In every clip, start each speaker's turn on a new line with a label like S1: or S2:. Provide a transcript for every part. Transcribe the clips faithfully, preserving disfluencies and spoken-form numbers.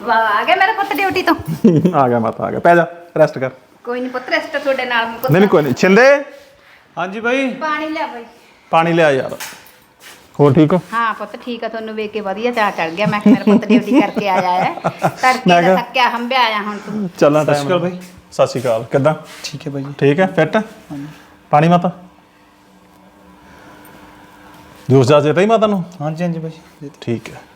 S1: ਵਾਹ, ਆ ਗਿਆ ਮੇਰਾ ਪੁੱਤ ਡਿਊਟੀ ਤੋਂ।
S2: ਆ ਗਿਆ ਮਾਤਾ, ਆ ਗਿਆ। ਪੈ ਜਾ, ਰੈਸਟ ਕਰ।
S1: ਕੋਈ ਨਹੀਂ ਪੁੱਤ, ਰੈਸਟ ਤੁਹਾਡੇ ਨਾਲ।
S2: ਨਹੀਂ ਨਹੀਂ ਕੋਈ ਨਹੀਂ। ਛਿੰਦੇ,
S3: ਹਾਂਜੀ ਬਾਈ।
S1: ਪਾਣੀ ਲਿਆ ਬਾਈ।
S2: ਪਾਣੀ ਲਿਆ ਯਾਰ। ਹੋਰ ਠੀਕ ਹੋ?
S1: ਹਾਂ ਪੁੱਤ ਠੀਕ ਆ। ਤੁਹਾਨੂੰ ਵੇਖ ਕੇ ਵਧੀਆ ਚਾਹ ਚੜ ਗਿਆ। ਮੈਂ ਮੇਰਾ ਪੁੱਤ ਡਿਊਟੀ ਕਰਕੇ ਆਇਆ ਹੈ, ਤੜਕੇ ਦਾ ਥੱਕਿਆ ਹੰਬਿਆ ਆਇਆ ਹੁਣ ਤੂੰ।
S2: ਚੱਲਾਂ
S3: ਸਤਿ ਸ਼੍ਰੀ ਅਕਾਲ ਬਾਈ।
S2: ਸਤਿ ਸ਼੍ਰੀ ਅਕਾਲ। ਕਿੱਦਾਂ?
S3: ਠੀਕ ਹੈ ਬਾਈ।
S2: ਠੀਕ ਹੈ, ਫਿੱਟ? ਪਾਣੀ ਮਾਤਾ? ਜੂਸ ਜਾ ਦੇਤਾ ਹੀ ਮਾਤਾ ਨੂੰ?
S3: ਹਾਂਜੀ ਹਾਂਜੀ ਬਾਈ।
S2: ਠੀਕ ਹੈ।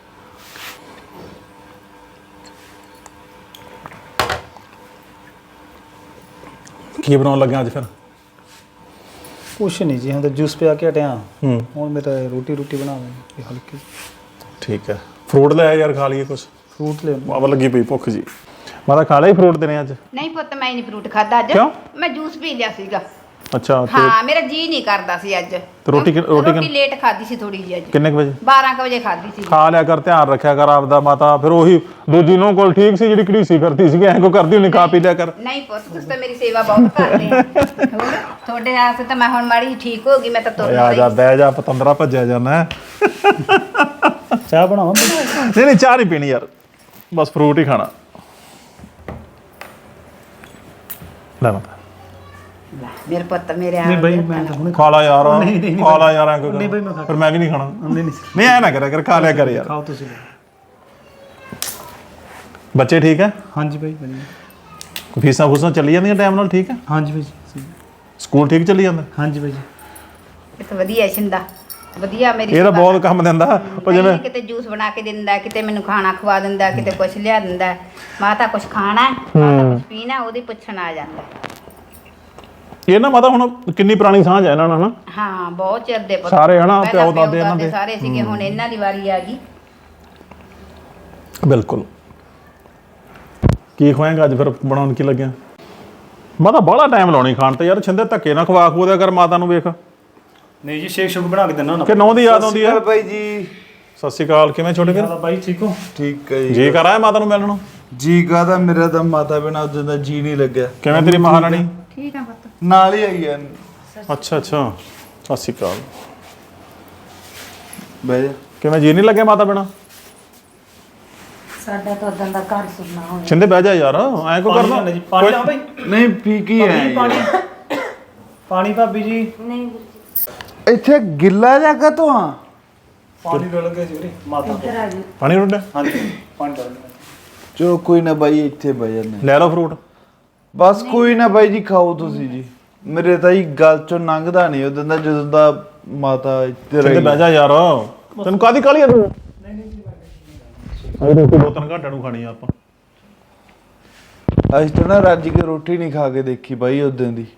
S2: ਕੀ ਬਣਾਉਣ ਲੱਗਾ ਅੱਜ ਫਿਰ?
S3: ਕੁਛ ਨਹੀਂ ਜੀ, ਹੁਣ ਤਾਂ ਜੂਸ ਪਿਆ ਕੇ ਹਟਿਆ।
S2: ਹੂੰ।
S3: ਹੁਣ ਮੇਰਾ ਰੋਟੀ ਰੋਟੀ ਬਣਾਵਾਂਗੇ ਹਲਕੀ।
S2: ਠੀਕ ਹੈ। ਫਰੂਟ ਲੈ ਯਾਰ, ਖਾ ਲਈਏ ਕੁਛ।
S3: ਫਰੂਟ ਲੈ
S2: ਬਾਬਾ ਲੱਗੀ ਪਈ ਭੁੱਖ ਜੀ। ਮਾਤਾ ਖਾ ਲਿਆ ਫਰੂਟ ਦੇਣੇ ਅੱਜ?
S1: ਨਹੀਂ ਪੁੱਤ, ਮੈਂ ਨਹੀਂ ਫਰੂਟ ਖਾਦਾ ਅੱਜ।
S2: ਕਿਉਂ?
S1: ਮੈਂ ਜੂਸ ਪੀ ਲਿਆ ਸੀਗਾ।
S2: ਅੱਛਾ।
S1: ਹਾਂ, ਮੇਰਾ ਜੀ ਨਹੀਂ ਕਰਦਾ ਸੀ ਅੱਜ।
S2: ਤੇ ਰੋਟੀ ਕਿ- ਰੋਟੀ
S1: ਰੋਟੀ ਲੇਟ ਖਾਦੀ ਸੀ ਥੋੜੀ ਜਿਹੀ ਅੱਜ।
S2: ਕਿੰਨੇ ਕੁ ਵਜੇ?
S1: ਬਾਰਾਂ ਕੁ ਵਜੇ ਖਾਦੀ ਸੀ।
S2: ਖਾ ਲਿਆ ਕਰ, ਧਿਆਨ ਰੱਖਿਆ ਕਰ ਆਪਦਾ ਮਾਤਾ। ਫਿਰ ਉਹੀ ਦੂਜੀ ਨੂੰ ਕੋਲ ਠੀਕ ਸੀ ਜਿਹੜੀ ਘੜੀਸੀ ਕਰਦੀ ਸੀ, ਐਂ ਕੋ ਕਰਦੀ ਹੁੰਦੀ, ਖਾ ਪੀ ਲਿਆ ਕਰ।
S1: ਨਹੀਂ ਪੁੱਤ, ਤੁਸੀਂ ਤਾਂ ਮੇਰੀ ਸੇਵਾ ਬਹੁਤ ਕਰਦੇ ਆ। ਹੋਰ ਤੁਹਾਡੇ ਵਾਸਤੇ ਤਾਂ ਮੈਂ ਹੁਣ ਮਾੜੀ ਠੀਕ ਹੋ ਗਈ। ਮੈਂ ਤਾਂ ਤੁਰ
S2: ਆ ਜਾ, ਬਹਿ ਜਾ, ਪਤੰਦਰਾ ਭੱਜਿਆ ਜਾਂਦਾ।
S3: ਚਾਹ ਬਣਾਵਾਂ?
S2: ਨਹੀਂ ਨਹੀਂ, ਚਾਹ ਨਹੀਂ ਪੀਣੀ ਯਾਰ, ਬਸ ਫਰੂਟ ਹੀ ਖਾਣਾ। ਲੈ ਮਾਤਾ।
S1: ਮੇਰੇ ਪੁੱਤ ਮੇਰੇ ਆ
S3: ਨਹੀਂ ਬਾਈ, ਮੈਂ ਤਾਂ ਹੁਣ
S2: ਖਾ ਲਾ ਯਾਰ,
S3: ਨਹੀਂ, ਨਹੀਂ,
S2: ਖਾ ਲਾ ਯਾਰ। ਐਂ ਕੋਈ
S3: ਨਹੀਂ ਬਾਈ, ਮੈਂ ਖਾ-
S2: ਫਿਰ ਮੈਂ ਵੀ ਨਹੀਂ ਖਾਣਾ।
S3: ਨਹੀਂ ਨਹੀਂ
S2: ਨਹੀਂ ਐ ਨਾ ਕਰਿਆ ਕਰ, ਖਾ ਲਿਆ ਕਰ ਯਾਰ।
S3: ਖਾਓ ਤੁਸੀਂ।
S2: ਬੱਚੇ ਠੀਕ ਹੈ?
S3: ਹਾਂਜੀ ਬਾਈ ਵਧੀਆ।
S2: ਫੀਸਾਂ ਫੂਸਾਂ ਚੱਲੀ ਜਾਂਦੀਆਂ ਟਾਈਮ ਨਾਲ? ਠੀਕ ਹੈ।
S3: ਹਾਂਜੀ ਬਾਈ ਜੀ।
S2: ਸਕੂਲ ਠੀਕ ਚੱਲੀ ਜਾਂਦਾ?
S3: ਹਾਂਜੀ ਬਾਈ ਜੀ।
S1: ਇਹ ਤਾਂ ਵਧੀਆ ਛਿੰਦਾ, ਵਧੀਆ ਮੇਰੀ
S2: ਇਹ ਤਾਂ
S1: ਸੇਵਾ
S2: ਬਹੁਤ ਕੰਮ ਦਿੰਦਾ ਉਹ। ਜਿਵੇਂ
S1: ਕਿਤੇ ਜੂਸ ਬਣਾ ਕੇ ਦਿੰਦਾ, ਕਿਤੇ ਮੈਨੂੰ ਖਾਣਾ ਖਵਾ ਦਿੰਦਾ, ਕਿਤੇ ਕੁਛ ਲਿਆ ਦਿੰਦਾ। ਮਾਤਾ ਕੁਛ ਖਾਣਾ, ਮਾਤਾ ਕੁਛ ਪੀਣਾ, ਉਹਦੀ ਪੁੱਛਣ ਆ ਜਾਂਦਾ।
S2: ਇਹ ਨਾ ਮਾਤਾ ਹੁਣ ਕਿੰਨੀ ਪੁਰਾਣੀ ਸਾਂਝ ਹੈ ਇਹਨਾਂ ਨਾਲ ਨਾ।
S1: ਹਾਂ, ਬਹੁਤ ਚਿਰ ਦੇ ਪੁੱਤ।
S2: ਸਾਰੇ ਹਨਾ,
S1: ਪਹਿਲਾਂ
S2: ਪਿਓ ਦਾਦੇ ਇਹਨਾਂ ਦੇ
S1: ਸਾਰੇ ਸੀਗੇ, ਹੁਣ ਇਹਨਾਂ ਦੀ ਵਾਰੀ ਆ ਗਈ।
S2: ਬਿਲਕੁਲ। ਕੀ ਖਵਾਏਗਾ ਅੱਜ ਫਿਰ? ਬਣਾਉਣ ਕੀ ਲੱਗਿਆ? ਮਾਤਾ ਬੜਾ ਟਾਈਮ ਲਾਉਣੀ ਖਾਣ ਤੇ ਯਾਰ। ਛਿੰਦੇ ਧੱਕੇ ਨਾ ਖਵਾ ਖੂ ਦਿਆ ਕਰ ਮਾਤਾ ਨੂੰ। ਵੇਖ
S3: ਨਹੀਂ ਜੀ, ਸ਼ੇਕ ਸ਼ੁਕ ਬਣਾ ਕੇ ਦਿੰਦਾ ਨਾ।
S2: ਕਿ ਨੌਂ ਦੀ ਯਾਦ ਆਉਂਦੀ ਹੈ?
S4: ਬਾਈ ਜੀ
S2: ਸਤਿ ਸ਼੍ਰੀ ਅਕਾਲ। ਕਿਵੇਂ ਛੋਟੇ ਵੀਰ?
S3: ਬਾਈ ਠੀਕ ਹੋ?
S4: ਠੀਕ ਹੈ ਜੀ।
S2: ਜੀ ਕਰ ਆਇਆ ਮਾਤਾ ਨੂੰ ਮਿਲਣ ਨੂੰ?
S4: ਜੀ ਕਾਹਦਾ, ਮੇਰਾ ਤਾਂ ਮਾਤਾ ਬਿਨਾਂ ਉਦੋਂ ਦਾ ਜੀ ਨਹੀਂ ਲੱਗਿਆ।
S2: ਕਿਵੇਂ ਤੇਰੀ ਮਹਾਰਾਣੀ?
S1: ਠੀਕ ਆ ਪੁੱਤ।
S4: ਨਾਲ ਹੀ ਆਈ ਆ।
S2: ਅੱਛਾ ਅੱਛਾ, ਸਤਿ ਸ਼੍ਰੀ ਅਕਾਲ।
S4: ਬਹਿ ਜਾ।
S2: ਕਿਵੇਂ ਜੀ ਨਹੀਂ ਲੱਗਿਆ ਮਾਤਾ ਬਿਨਾਂ?
S1: ਸਾਡਾ ਤਾਂ ਉਦੋਂ ਦਾ ਘਰ ਸੁਣਨਾ ਹੋਇਆ।
S2: ਛਿੰਦੇ ਬਹਿ ਜਾ ਯਾਰ, ਐਂ ਕੋ ਕਰਦਾ?
S3: ਜੀ ਪਾਣੀ ਲਾ ਬਾਈ।
S4: ਨਹੀਂ ਪੀ ਕੀ ਹੈ
S3: ਪਾਣੀ ਪਾਣੀ ਭਾਬੀ ਜੀ।
S1: ਨਹੀਂ
S4: ਇੱਥੇ ਗਿੱਲਾ ਜਗ੍ਹਾ ਤੋਂ ਆ।
S3: ਪਾਣੀ ਡੋਲ ਕੇ ਜੀ ਵੀਰੇ ਮਾਤਾ ਤੋਂ।
S1: ਆ ਗਈ।
S2: ਪਾਣੀ ਰੁੱਡਾ?
S3: ਹਾਂਜੀ ਪਾਣੀ ਡੋਲ ਕੇ।
S4: ਚਲੋ ਕੋਈ ਨਾ ਬਾਈ, ਇੱਥੇ ਬਹਿ ਜਾਂਦੇ।
S2: ਲੈ ਲਓ ਫਰੂਟ।
S4: ਬਸ ਕੋਈ ਨਾ ਬਾਈ ਜੀ, ਖਾਓ ਤੁਸੀਂ ਜੀ। ਮੇਰੇ ਤਾਂ ਹੀ ਗੱਲ ਚੋਂ ਲੰਘਦਾ ਨਹੀਂ ਉਦੋਂ ਦਾ, ਜਦੋਂ ਦਾ ਮਾਤਾ ਇੱਥੇ
S2: ਛਿੰਦੇ ਬਹਿ ਜਾ ਯਾਰ, ਤੈਨੂੰ ਕਾਹਦੀ ਕਾਹਲੀ ਆ ਤੂੰ? ਨਹੀਂ ਨਹੀਂ ਜੀ, ਰੋਟੀ ਦੋ ਤਿੰਨ ਘੰਟਿਆਂ ਨੂੰ ਖਾਣੀ ਆ ਆਪਾਂ।
S4: ਅੱਜ ਤਾਂ ਨਾ ਰੱਜ ਕੇ ਰੋਟੀ ਨਹੀਂ ਖਾ ਕੇ ਦੇਖੀ ਬਾਈ ਉਦੋਂ ਦੀ।